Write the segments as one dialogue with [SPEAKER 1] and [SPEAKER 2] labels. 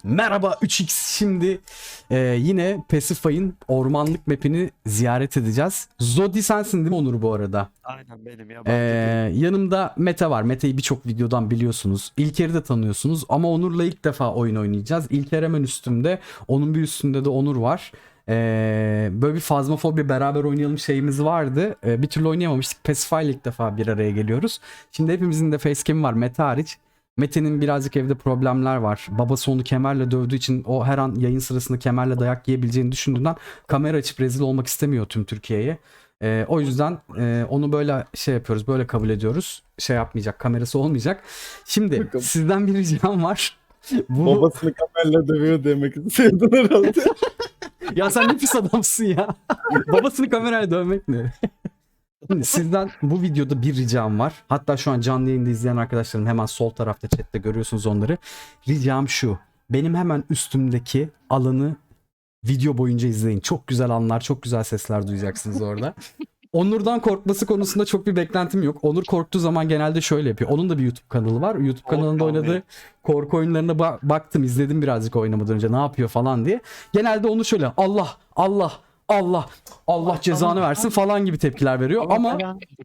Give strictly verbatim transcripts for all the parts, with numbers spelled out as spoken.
[SPEAKER 1] Merhaba üç x, şimdi e, yine Pacify'ın ormanlık map'ini ziyaret edeceğiz. Zodi sensin değil mi Onur bu arada?
[SPEAKER 2] Aynen benim
[SPEAKER 1] E,
[SPEAKER 2] yabancı değil.
[SPEAKER 1] yanımda Mete var. Mete'yi birçok videodan biliyorsunuz. İlker'i de tanıyorsunuz ama Onur'la ilk defa oyun oynayacağız. İlker hemen üstümde. Onun bir üstünde de Onur var. E, böyle bir Phasmophobia beraber oynayalım şeyimiz vardı. E, bir türlü oynayamamıştık. Pacify'la ilk defa bir araya geliyoruz. Şimdi hepimizin de facecam'i var Mete hariç. Mete'nin birazcık evde problemler var. Babası onu kemerle dövdüğü için o her an yayın sırasında kemerle dayak yiyebileceğini düşündüğünden kamera açıp rezil olmak istemiyor tüm Türkiye'ye. Ee, o yüzden e, onu böyle şey yapıyoruz, böyle kabul ediyoruz. Şey yapmayacak, kamerası olmayacak. Şimdi
[SPEAKER 3] Bakalım.
[SPEAKER 1] sizden bir ricam var. Bu
[SPEAKER 3] Babasını kamerayla dövüyor demek istedin herhalde.
[SPEAKER 1] ya sen ne pis adamsın ya. Babasını kamerayla dövmek ne? Şimdi sizden bu videoda bir ricam var. Hatta şu an canlı yayında izleyen arkadaşlarım hemen sol tarafta chatte görüyorsunuz onları. Ricam şu. Benim hemen üstümdeki alanı video boyunca izleyin. Çok güzel anlar, çok güzel sesler duyacaksınız orada. Onur'dan korkması konusunda çok bir beklentim yok. Onur korktuğu zaman genelde şöyle yapıyor. Onun da bir YouTube kanalı var. YouTube kanalında oynadığı korku oyunlarına ba- baktım, izledim birazcık oynamadan önce ne yapıyor falan diye. Genelde onu şöyle Allah, Allah, Allah, Allah cezanı versin falan gibi tepkiler veriyor. Ama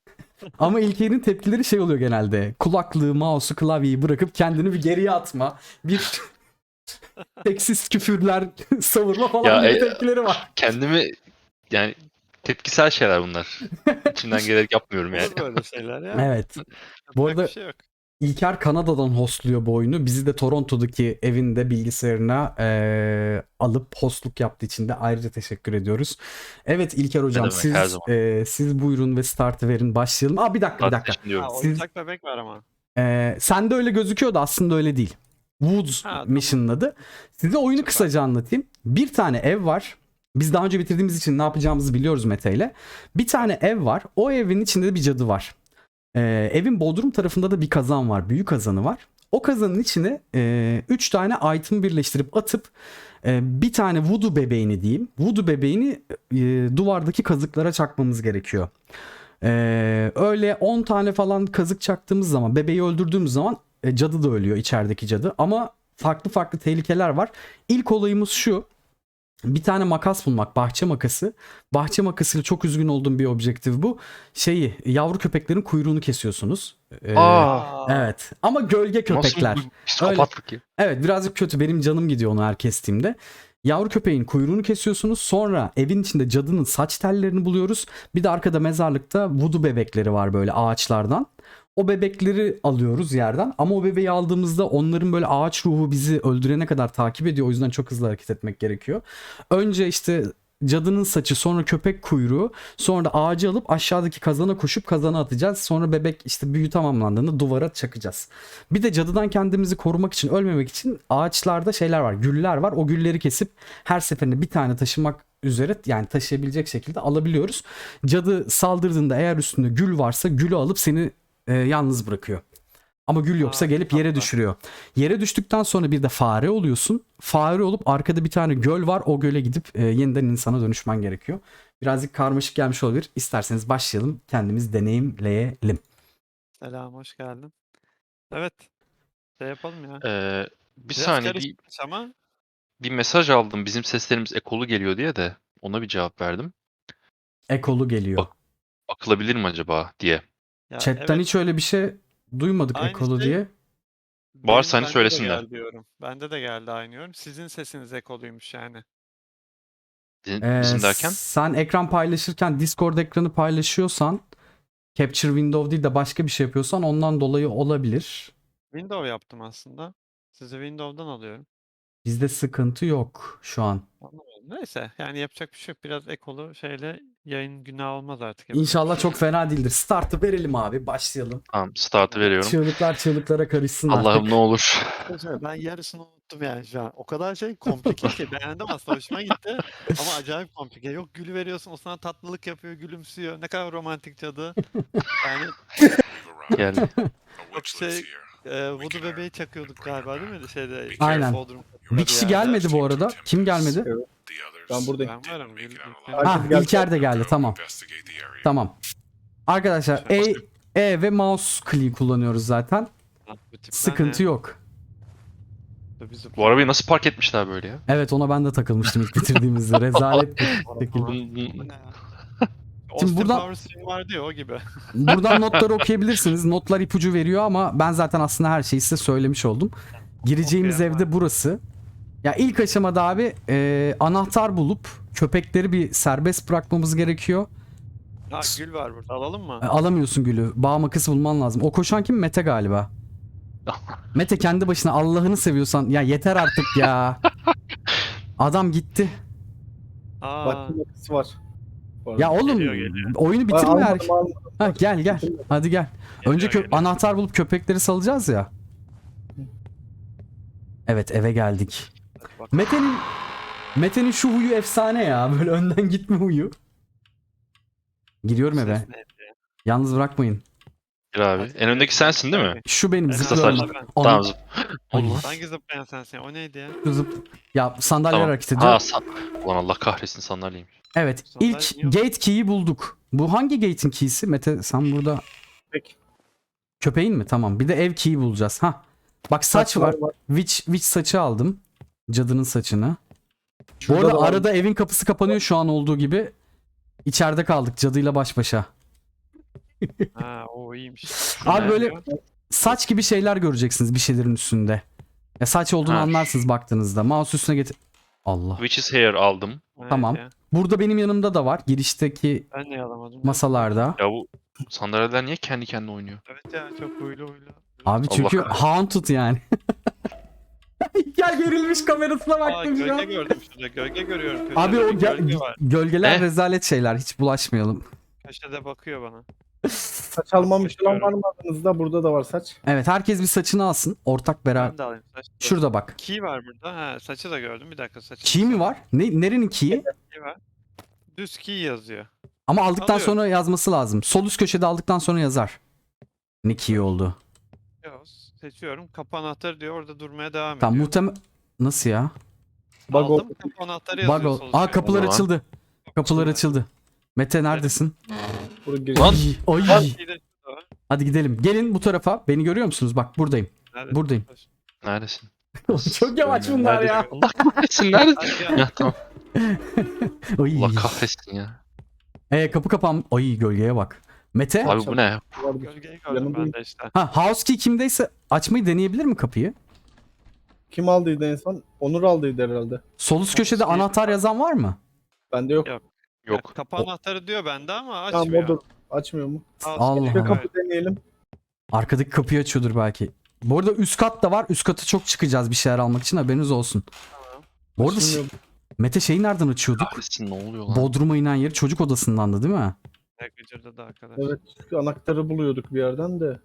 [SPEAKER 1] ama İlker'in tepkileri şey oluyor genelde. Kulaklığı, mouse'u, klavyeyi bırakıp kendini bir geriye atma. Bir seksist küfürler savurma falan
[SPEAKER 4] Ya,
[SPEAKER 1] gibi
[SPEAKER 4] e,
[SPEAKER 1] tepkileri var.
[SPEAKER 4] Kendimi yani tepkisel şeyler bunlar. İçimden gelerek yapmıyorum yani.
[SPEAKER 2] Olur böyle şeyler ya.
[SPEAKER 1] Evet. Bu
[SPEAKER 2] Yapacak
[SPEAKER 1] arada
[SPEAKER 2] bir şey yok.
[SPEAKER 1] İlker Kanada'dan hostluyor bu oyunu. Bizi de Toronto'daki evinde bilgisayarına eee, alıp hostluk yaptığı için de ayrıca teşekkür ediyoruz. Evet İlker hocam,
[SPEAKER 4] demek, her
[SPEAKER 1] siz
[SPEAKER 4] zaman.
[SPEAKER 1] eee, siz buyurun ve startı verin, başlayalım. Aa bir dakika bir dakika.
[SPEAKER 4] Tartışın diyorum.
[SPEAKER 2] Ha,
[SPEAKER 1] Siz-
[SPEAKER 2] oyuncak bebek var ama.
[SPEAKER 1] Eee sende öyle gözüküyordu, aslında öyle değil. Woods
[SPEAKER 2] Ha, tamam.
[SPEAKER 1] Mission'ın adı. Size oyunu
[SPEAKER 2] Süper.
[SPEAKER 1] kısaca anlatayım. Bir tane ev var. Biz daha önce bitirdiğimiz için ne yapacağımızı biliyoruz Mete ile. Bir tane ev var. O evin içinde de bir cadı var. Ee, evin bodrum tarafında da bir kazan var. Büyük kazanı var. O kazanın içine üç tane item birleştirip atıp e, bir tane voodoo bebeğini diyeyim. Voodoo bebeğini e, duvardaki kazıklara çakmamız gerekiyor. Ee, öyle on tane falan kazık çaktığımız zaman, bebeği öldürdüğümüz zaman e, cadı da ölüyor, içerideki cadı. Ama farklı farklı tehlikeler var. İlk olayımız şu. Bir tane makas bulmak, bahçe makası. Bahçe makasıyla çok üzgün olduğum bir objektif bu. Şeyi, yavru köpeklerin kuyruğunu kesiyorsunuz. Ee,
[SPEAKER 4] Aa,
[SPEAKER 1] evet. Ama gölge köpekler.
[SPEAKER 4] nasıl bu psikopatlık ya?
[SPEAKER 1] Evet, birazcık kötü. Benim canım gidiyor onu her kestiğimde. Yavru köpeğin kuyruğunu kesiyorsunuz. Sonra evin içinde cadının saç tellerini buluyoruz. Bir de arkada mezarlıkta voodoo bebekleri var böyle ağaçlardan. O bebekleri alıyoruz yerden. Ama o bebeği aldığımızda onların böyle ağaç ruhu bizi öldürene kadar takip ediyor. O yüzden çok hızlı hareket etmek gerekiyor. Önce işte cadının saçı, sonra köpek kuyruğu, sonra da ağacı alıp aşağıdaki kazana koşup kazana atacağız. Sonra bebek işte büyü tamamlandığında duvara çakacağız. Bir de cadıdan kendimizi korumak için, ölmemek için ağaçlarda şeyler var, güller var. O gülleri kesip her seferinde bir tane taşımak üzere, yani taşıyabilecek şekilde alabiliyoruz. Cadı saldırdığında eğer üstünde gül varsa gülü alıp seni e, yalnız bırakıyor. Ama gül yoksa
[SPEAKER 2] Aa,
[SPEAKER 1] gelip yere
[SPEAKER 2] tatlı.
[SPEAKER 1] düşürüyor. Yere düştükten sonra bir de fare oluyorsun. Fare olup arkada bir tane göl var. O göle gidip e, yeniden insana dönüşmen gerekiyor. Birazcık karmaşık gelmiş olabilir. İsterseniz başlayalım. Kendimiz deneyimleyelim.
[SPEAKER 2] Selam, hoş geldin. Evet. Şey yapalım ya.
[SPEAKER 4] Ee, bir
[SPEAKER 2] Biraz
[SPEAKER 4] saniye bir,
[SPEAKER 2] karışmış ama
[SPEAKER 4] bir mesaj aldım. Bizim seslerimiz ekolu geliyor diye de ona bir cevap verdim.
[SPEAKER 1] Ekolu geliyor.
[SPEAKER 4] Bak- Akılabilir mi acaba diye.
[SPEAKER 2] ya
[SPEAKER 1] Chatten
[SPEAKER 2] evet,
[SPEAKER 1] hiç öyle bir şey duymadık,
[SPEAKER 2] aynı
[SPEAKER 1] ekolu
[SPEAKER 2] şey
[SPEAKER 1] diye.
[SPEAKER 4] Varsa
[SPEAKER 2] benim,
[SPEAKER 4] hani
[SPEAKER 2] bende de
[SPEAKER 4] söylesinler.
[SPEAKER 2] geldi yorum. Bende de geldi aynı yorum. Sizin sesiniz ekoluymuş yani.
[SPEAKER 4] Bizim,
[SPEAKER 1] Ee,
[SPEAKER 4] bizim derken?
[SPEAKER 1] sen ekran paylaşırken Discord ekranı paylaşıyorsan, Capture Window değil de başka bir şey yapıyorsan ondan dolayı olabilir.
[SPEAKER 2] Windows yaptım aslında. Sizi Windows'dan alıyorum.
[SPEAKER 1] Bizde sıkıntı yok şu an.
[SPEAKER 2] Anlamadım. Neyse yani yapacak bir şey yok. Biraz ekolu şeyle yayın günah olmaz artık. Yapacak bir
[SPEAKER 1] İnşallah
[SPEAKER 2] şey
[SPEAKER 1] çok
[SPEAKER 2] yok.
[SPEAKER 1] fena değildir. Startı verelim abi. Başlayalım.
[SPEAKER 4] Tamam, startı veriyorum.
[SPEAKER 1] Çığlıklar çığlıklara karışsın
[SPEAKER 4] Allah'ım
[SPEAKER 1] artık.
[SPEAKER 4] ne olur.
[SPEAKER 2] Arkadaşlar, ben yarısını unuttum yani şu an. O kadar şey komplike ki beğendim aslında, hoşuma gitti ama acayip komplike. Yok, gülü veriyorsun, o sana tatlılık yapıyor, gülümsüyor. Ne kadar romantik cadı. Yani
[SPEAKER 4] Geldi.
[SPEAKER 2] çok şey e, voodoo bebeği çakıyorduk galiba değil mi? Şeyde
[SPEAKER 1] Aynen.
[SPEAKER 2] Bodrum
[SPEAKER 1] Bir kişi gelmedi bu arada. Kim gelmedi?
[SPEAKER 3] Ben buradayım.
[SPEAKER 2] Ben varım. Gül,
[SPEAKER 1] Ha,
[SPEAKER 3] Herkes geldi.
[SPEAKER 1] İlker de geldi. Tamam. Tamam. Arkadaşlar E, E ve mouse click kullanıyoruz zaten.
[SPEAKER 2] bu tipler
[SPEAKER 1] Sıkıntı
[SPEAKER 2] ne?
[SPEAKER 1] yok.
[SPEAKER 2] Dur, biz
[SPEAKER 4] Bu arabayı nasıl park etmişler böyle ya?
[SPEAKER 1] Evet, ona ben de takılmıştım ilk bitirdiğimizde. Rezalet bir şekilde.
[SPEAKER 4] Bunun-
[SPEAKER 2] Bu
[SPEAKER 4] bunun-
[SPEAKER 2] ne ya?
[SPEAKER 1] Şimdi
[SPEAKER 2] Austin
[SPEAKER 1] buradan-
[SPEAKER 2] Powers film vardı ya o gibi.
[SPEAKER 1] Buradan notları okuyabilirsiniz. Notlar ipucu veriyor ama ben zaten aslında her şeyi size söylemiş oldum. Gireceğimiz
[SPEAKER 2] Okuyalım
[SPEAKER 1] evde
[SPEAKER 2] abi.
[SPEAKER 1] burası. Ya ilk aşamada abi e, anahtar bulup köpekleri bir serbest bırakmamız gerekiyor.
[SPEAKER 2] Ha gül var burada, alalım mı?
[SPEAKER 1] E, alamıyorsun gülü. Bağ makası bulman lazım. O koşan kim? Mete galiba. Mete kendi başına, Allah'ını seviyorsan. Ya yeter artık ya. Adam gitti.
[SPEAKER 2] Aa,
[SPEAKER 3] Bak makası var. Bu arada.
[SPEAKER 1] Ya oğlum
[SPEAKER 2] Geliyor, geliyor.
[SPEAKER 1] oyunu
[SPEAKER 3] Ay,
[SPEAKER 1] bitirme
[SPEAKER 3] almadım,
[SPEAKER 1] erken.
[SPEAKER 3] almadım.
[SPEAKER 1] Ha, gel gel. Hadi gel. Önce kö-
[SPEAKER 2] geliyor.
[SPEAKER 1] anahtar bulup köpekleri salacağız ya. Evet, eve geldik.
[SPEAKER 2] bak.
[SPEAKER 1] Mete'nin Mete'nin şu huyu efsane ya. Böyle önden gitme huyu. Giriyorum eve.
[SPEAKER 2] Ses neydi ya?
[SPEAKER 1] Yalnız bırakmayın.
[SPEAKER 4] Gir abi. En öndeki sensin değil mi?
[SPEAKER 1] Şu benim
[SPEAKER 2] Evet,
[SPEAKER 4] Kısa
[SPEAKER 1] zıplıyorum.
[SPEAKER 4] saçlı.
[SPEAKER 2] ben.
[SPEAKER 1] Onu-
[SPEAKER 4] Tamam zıp.
[SPEAKER 1] Ay,
[SPEAKER 2] Hangi zıplayan sensin? O neydi ya?
[SPEAKER 1] zıp. Ya sandalyeler
[SPEAKER 4] Tamam.
[SPEAKER 1] hareket ediyor.
[SPEAKER 4] Ha, san... Ulan Allah kahretsin sandalyeymiş.
[SPEAKER 1] Evet,
[SPEAKER 2] Sandalye
[SPEAKER 1] ilk
[SPEAKER 2] niye yok?
[SPEAKER 1] gate key'i bulduk. Bu hangi gate'in key'si? Mete sen burada
[SPEAKER 3] Peki.
[SPEAKER 1] köpeğin mi? Tamam. Bir de ev key'i bulacağız. Ha. Bak saç var. Witch, witch saçı aldım. Cadının saçını. Bu
[SPEAKER 3] Şurada
[SPEAKER 1] arada
[SPEAKER 3] da var.
[SPEAKER 1] arada evin kapısı kapanıyor şu an olduğu gibi. İçeride kaldık cadıyla baş başa.
[SPEAKER 2] Ha o iyiymiş. Şu
[SPEAKER 1] Abi
[SPEAKER 2] ne
[SPEAKER 1] böyle
[SPEAKER 2] diyor?
[SPEAKER 1] saç gibi şeyler göreceksiniz bir şeylerin üstünde. Ya saç olduğunu
[SPEAKER 4] Ha,
[SPEAKER 1] anlarsınız baktığınızda. Mouse üstüne getir. Allah.
[SPEAKER 4] Witch's Hair aldım.
[SPEAKER 2] Evet
[SPEAKER 1] Tamam.
[SPEAKER 2] ya.
[SPEAKER 1] Burada benim yanımda da var. Girişteki
[SPEAKER 2] Ben niye alamadım?
[SPEAKER 1] masalarda.
[SPEAKER 4] Ya bu sandalyeler niye kendi kendine oynuyor?
[SPEAKER 2] Evet ya, çok huylu huylu.
[SPEAKER 1] Abi
[SPEAKER 4] Allah
[SPEAKER 1] çünkü
[SPEAKER 4] kahretsin.
[SPEAKER 1] haunted yani. Gel, gerilmiş kamerasına
[SPEAKER 2] Aa
[SPEAKER 1] baktım şu
[SPEAKER 2] gölge
[SPEAKER 1] an.
[SPEAKER 2] gördüm şurada. Gölge görüyorum. Köşede
[SPEAKER 1] Abi o
[SPEAKER 2] bir
[SPEAKER 1] gel-
[SPEAKER 2] gölge var.
[SPEAKER 1] gölgeler
[SPEAKER 4] Ne?
[SPEAKER 1] rezalet şeyler. Hiç bulaşmayalım.
[SPEAKER 2] Köşede bakıyor bana.
[SPEAKER 3] Saç almamış olan var mı aranızda? Burada da var saç.
[SPEAKER 1] Evet, herkes bir saçını alsın. Ortak beraber.
[SPEAKER 2] Ben de alayım saç.
[SPEAKER 1] Şurada bak.
[SPEAKER 2] Key var burada. Ha saçı da gördüm. Bir dakika saçı.
[SPEAKER 1] Key mi var? Ne, nerenin key'i?
[SPEAKER 2] Key var. Düz key yazıyor.
[SPEAKER 1] Ama aldıktan
[SPEAKER 2] Alıyorum.
[SPEAKER 1] sonra yazması lazım. Sol üst köşede aldıktan sonra yazar. Ne key oldu?
[SPEAKER 2] Yok, seçiyorum. Kapı anahtarı diyor. Orada durmaya devam
[SPEAKER 1] Tamam,
[SPEAKER 2] ediyor.
[SPEAKER 1] muhtemel... Nasıl ya?
[SPEAKER 3] Bug
[SPEAKER 2] Aldım.
[SPEAKER 3] oldu.
[SPEAKER 2] Kapı anahtarı yazıyor.
[SPEAKER 1] Bug ol.
[SPEAKER 2] sol
[SPEAKER 1] Aa,
[SPEAKER 2] üstte.
[SPEAKER 1] kapılar
[SPEAKER 4] Ulan.
[SPEAKER 1] açıldı. Kapılar
[SPEAKER 2] Açıldı.
[SPEAKER 1] açıldı. Mete neredesin?
[SPEAKER 3] Buraya giriş.
[SPEAKER 4] Lan
[SPEAKER 1] Ay,
[SPEAKER 2] Key
[SPEAKER 1] ay.
[SPEAKER 2] de şurada var.
[SPEAKER 1] Hadi gidelim. Gelin bu tarafa. Beni görüyor musunuz? Bak buradayım.
[SPEAKER 2] Nerede?
[SPEAKER 1] Buradayım.
[SPEAKER 4] neredesin?
[SPEAKER 1] Çok yavaş bunlar ya.
[SPEAKER 4] Allah kahretsin nerede?
[SPEAKER 2] Hadi gel.
[SPEAKER 4] Ya tamam.
[SPEAKER 1] Ay.
[SPEAKER 4] Allah kahretsin ya.
[SPEAKER 1] Ee, kapı kapan. Ay, gölgeye bak. Mete.
[SPEAKER 4] Abi bu ne?
[SPEAKER 3] Vardı.
[SPEAKER 2] Gölgeyi gördüm
[SPEAKER 3] Yanımdayım.
[SPEAKER 2] ben de işte.
[SPEAKER 1] Ha, house key kimdeyse açmayı deneyebilir mi kapıyı?
[SPEAKER 3] Kim aldıydı en son? Onur aldıydı herhalde.
[SPEAKER 1] Sol üst köşede
[SPEAKER 2] House key-
[SPEAKER 1] anahtar yazan var mı?
[SPEAKER 3] Bende yok.
[SPEAKER 2] Yok.
[SPEAKER 4] Yok.
[SPEAKER 2] Kapı anahtarı diyor bende ama
[SPEAKER 3] Tamam
[SPEAKER 2] açmıyor.
[SPEAKER 3] odur. Açmıyor mu?
[SPEAKER 2] House
[SPEAKER 1] Allah
[SPEAKER 2] key
[SPEAKER 3] Bir
[SPEAKER 1] Allah.
[SPEAKER 2] diyor,
[SPEAKER 3] kapı deneyelim.
[SPEAKER 1] Arkadaki kapıyı açıyordur belki. Bu arada üst kat da var. Üst kata çok çıkacağız bir şeyler almak için, haberiniz olsun.
[SPEAKER 2] Tamam.
[SPEAKER 1] Bu arada
[SPEAKER 3] Açılmıyor.
[SPEAKER 1] Mete şeyi nereden açıyorduk?
[SPEAKER 4] Kahretsin ne oluyor lan?
[SPEAKER 1] Bodrum'a inen yeri çocuk odasındandı değil mi?
[SPEAKER 2] Ne gıcırdı da arkadaş.
[SPEAKER 3] Evet. Çünkü anahtarı buluyorduk bir yerden de.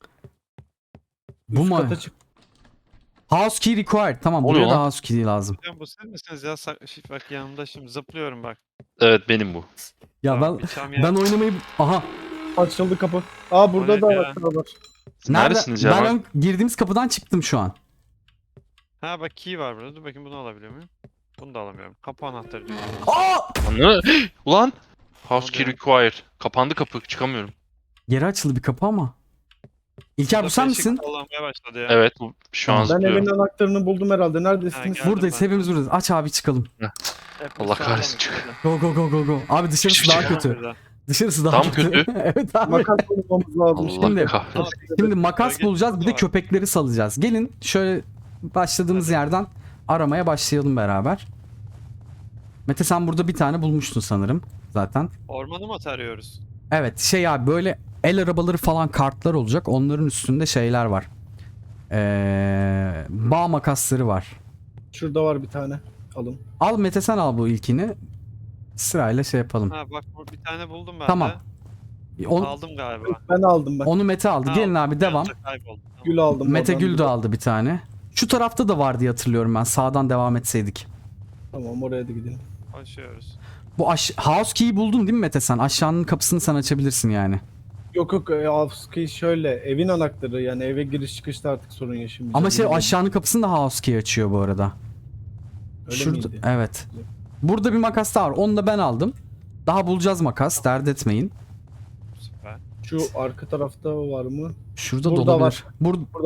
[SPEAKER 1] Bu
[SPEAKER 3] Üst
[SPEAKER 1] mu?
[SPEAKER 3] kata çık.
[SPEAKER 1] House key required. Tamam,
[SPEAKER 4] Oluyor
[SPEAKER 1] buraya da
[SPEAKER 4] lan.
[SPEAKER 1] house key lazım.
[SPEAKER 2] Hocam bu siz misiniz ya? Sa- şif- bak yanımda şimdi zıplıyorum bak.
[SPEAKER 4] Evet benim bu.
[SPEAKER 1] Ya
[SPEAKER 2] Tamam,
[SPEAKER 1] ben
[SPEAKER 2] bir çam yer-
[SPEAKER 1] ben oynamayı... Aha.
[SPEAKER 3] Açıldı kapı. Aa burada
[SPEAKER 2] O
[SPEAKER 3] da
[SPEAKER 2] ne ya?
[SPEAKER 3] anahtar var.
[SPEAKER 4] Siz neredesiniz ya?
[SPEAKER 1] Ben
[SPEAKER 4] Bak-
[SPEAKER 1] ön- girdiğimiz kapıdan çıktım şu an.
[SPEAKER 2] Ha bak key var burada. Dur bakayım bunu alabiliyor muyum? Bunu da alamıyorum. Kapı anahtarı diyor.
[SPEAKER 1] Aa!
[SPEAKER 4] Lan ne? Ulan! House key
[SPEAKER 2] oluyor?
[SPEAKER 4] required. Kapandı kapı çıkamıyorum.
[SPEAKER 1] Geri açıldı bir kapı ama. İlker bu
[SPEAKER 2] Burada
[SPEAKER 1] sen
[SPEAKER 2] beşik
[SPEAKER 1] misin?
[SPEAKER 2] sallanmaya başladı ya.
[SPEAKER 4] Evet bu- şu an
[SPEAKER 1] Tamam.
[SPEAKER 3] Ben
[SPEAKER 4] zıplıyorum.
[SPEAKER 3] evin anahtarını buldum herhalde.
[SPEAKER 2] Ha,
[SPEAKER 3] Neredesiniz?
[SPEAKER 2] gel.
[SPEAKER 1] Buradayız,
[SPEAKER 2] ben.
[SPEAKER 1] hepimiz buradayız. Aç abi, çıkalım.
[SPEAKER 2] Hep
[SPEAKER 4] Allah
[SPEAKER 2] sağlam
[SPEAKER 4] kahretsin,
[SPEAKER 2] işte.
[SPEAKER 1] Go go go go go. Abi dışarısı
[SPEAKER 4] Hiçbir
[SPEAKER 1] daha
[SPEAKER 4] şey
[SPEAKER 1] kötü.
[SPEAKER 2] Burada.
[SPEAKER 1] Dışarısı daha
[SPEAKER 4] Tam
[SPEAKER 1] kötü.
[SPEAKER 4] kötü.
[SPEAKER 1] Evet abi.
[SPEAKER 3] Makas bulmamız lazım.
[SPEAKER 4] Allah
[SPEAKER 1] Şimdi-
[SPEAKER 4] kahretsin.
[SPEAKER 1] Şimdi makas
[SPEAKER 2] Bölge
[SPEAKER 1] bulacağız, bir de
[SPEAKER 2] var.
[SPEAKER 1] köpekleri salacağız. Gelin şöyle başladığımız
[SPEAKER 2] Hadi.
[SPEAKER 1] yerden aramaya başlayalım beraber. Mete sen burada bir tane bulmuştun sanırım zaten.
[SPEAKER 2] Ormanı mı tarıyoruz?
[SPEAKER 1] Evet, şey abi, böyle el arabaları falan, kartlar olacak. Onların üstünde şeyler var. Ee, bağ makasları var.
[SPEAKER 3] Şurada var bir tane. Alın.
[SPEAKER 1] Al Mete, sen al bu ilkini. Sırayla şey yapalım.
[SPEAKER 2] Ha bak bu- bir tane buldum ben
[SPEAKER 1] Tamam.
[SPEAKER 2] de.
[SPEAKER 1] On-
[SPEAKER 2] Aldım galiba.
[SPEAKER 3] Ben aldım ben.
[SPEAKER 1] onu Mete aldı.
[SPEAKER 2] Ha,
[SPEAKER 1] Gelin
[SPEAKER 2] aldım.
[SPEAKER 1] abi, devam.
[SPEAKER 2] Yanında kayboldu. Tamam.
[SPEAKER 3] Gül aldım.
[SPEAKER 1] Mete
[SPEAKER 3] oradan.
[SPEAKER 1] Gül de aldı bir tane. Şu tarafta da var diye hatırlıyorum ben. Sağdan devam etseydik.
[SPEAKER 3] Tamam oraya da gidelim.
[SPEAKER 2] Koşuyoruz.
[SPEAKER 1] Bu aş- house key'i buldun değil mi Mete sen? Aşağının kapısını sen açabilirsin yani.
[SPEAKER 3] Yok yok e, Avski şöyle evin anahtarı yani eve giriş çıkışta artık sorun yaşamayacağım.
[SPEAKER 1] Ama şey,
[SPEAKER 3] Bilmiyorum.
[SPEAKER 1] aşağının kapısını da house key açıyor bu arada.
[SPEAKER 3] Öyle
[SPEAKER 1] Şurada,
[SPEAKER 3] miydi?
[SPEAKER 1] evet. Burada bir makas daha var. Onu da ben aldım. Daha bulacağız makas. Dert etmeyin.
[SPEAKER 2] Süper.
[SPEAKER 3] Şu arka tarafta var mı?
[SPEAKER 1] Şurada
[SPEAKER 3] Burada
[SPEAKER 1] da olabilir.
[SPEAKER 3] var.
[SPEAKER 1] Bur-
[SPEAKER 3] Burada var.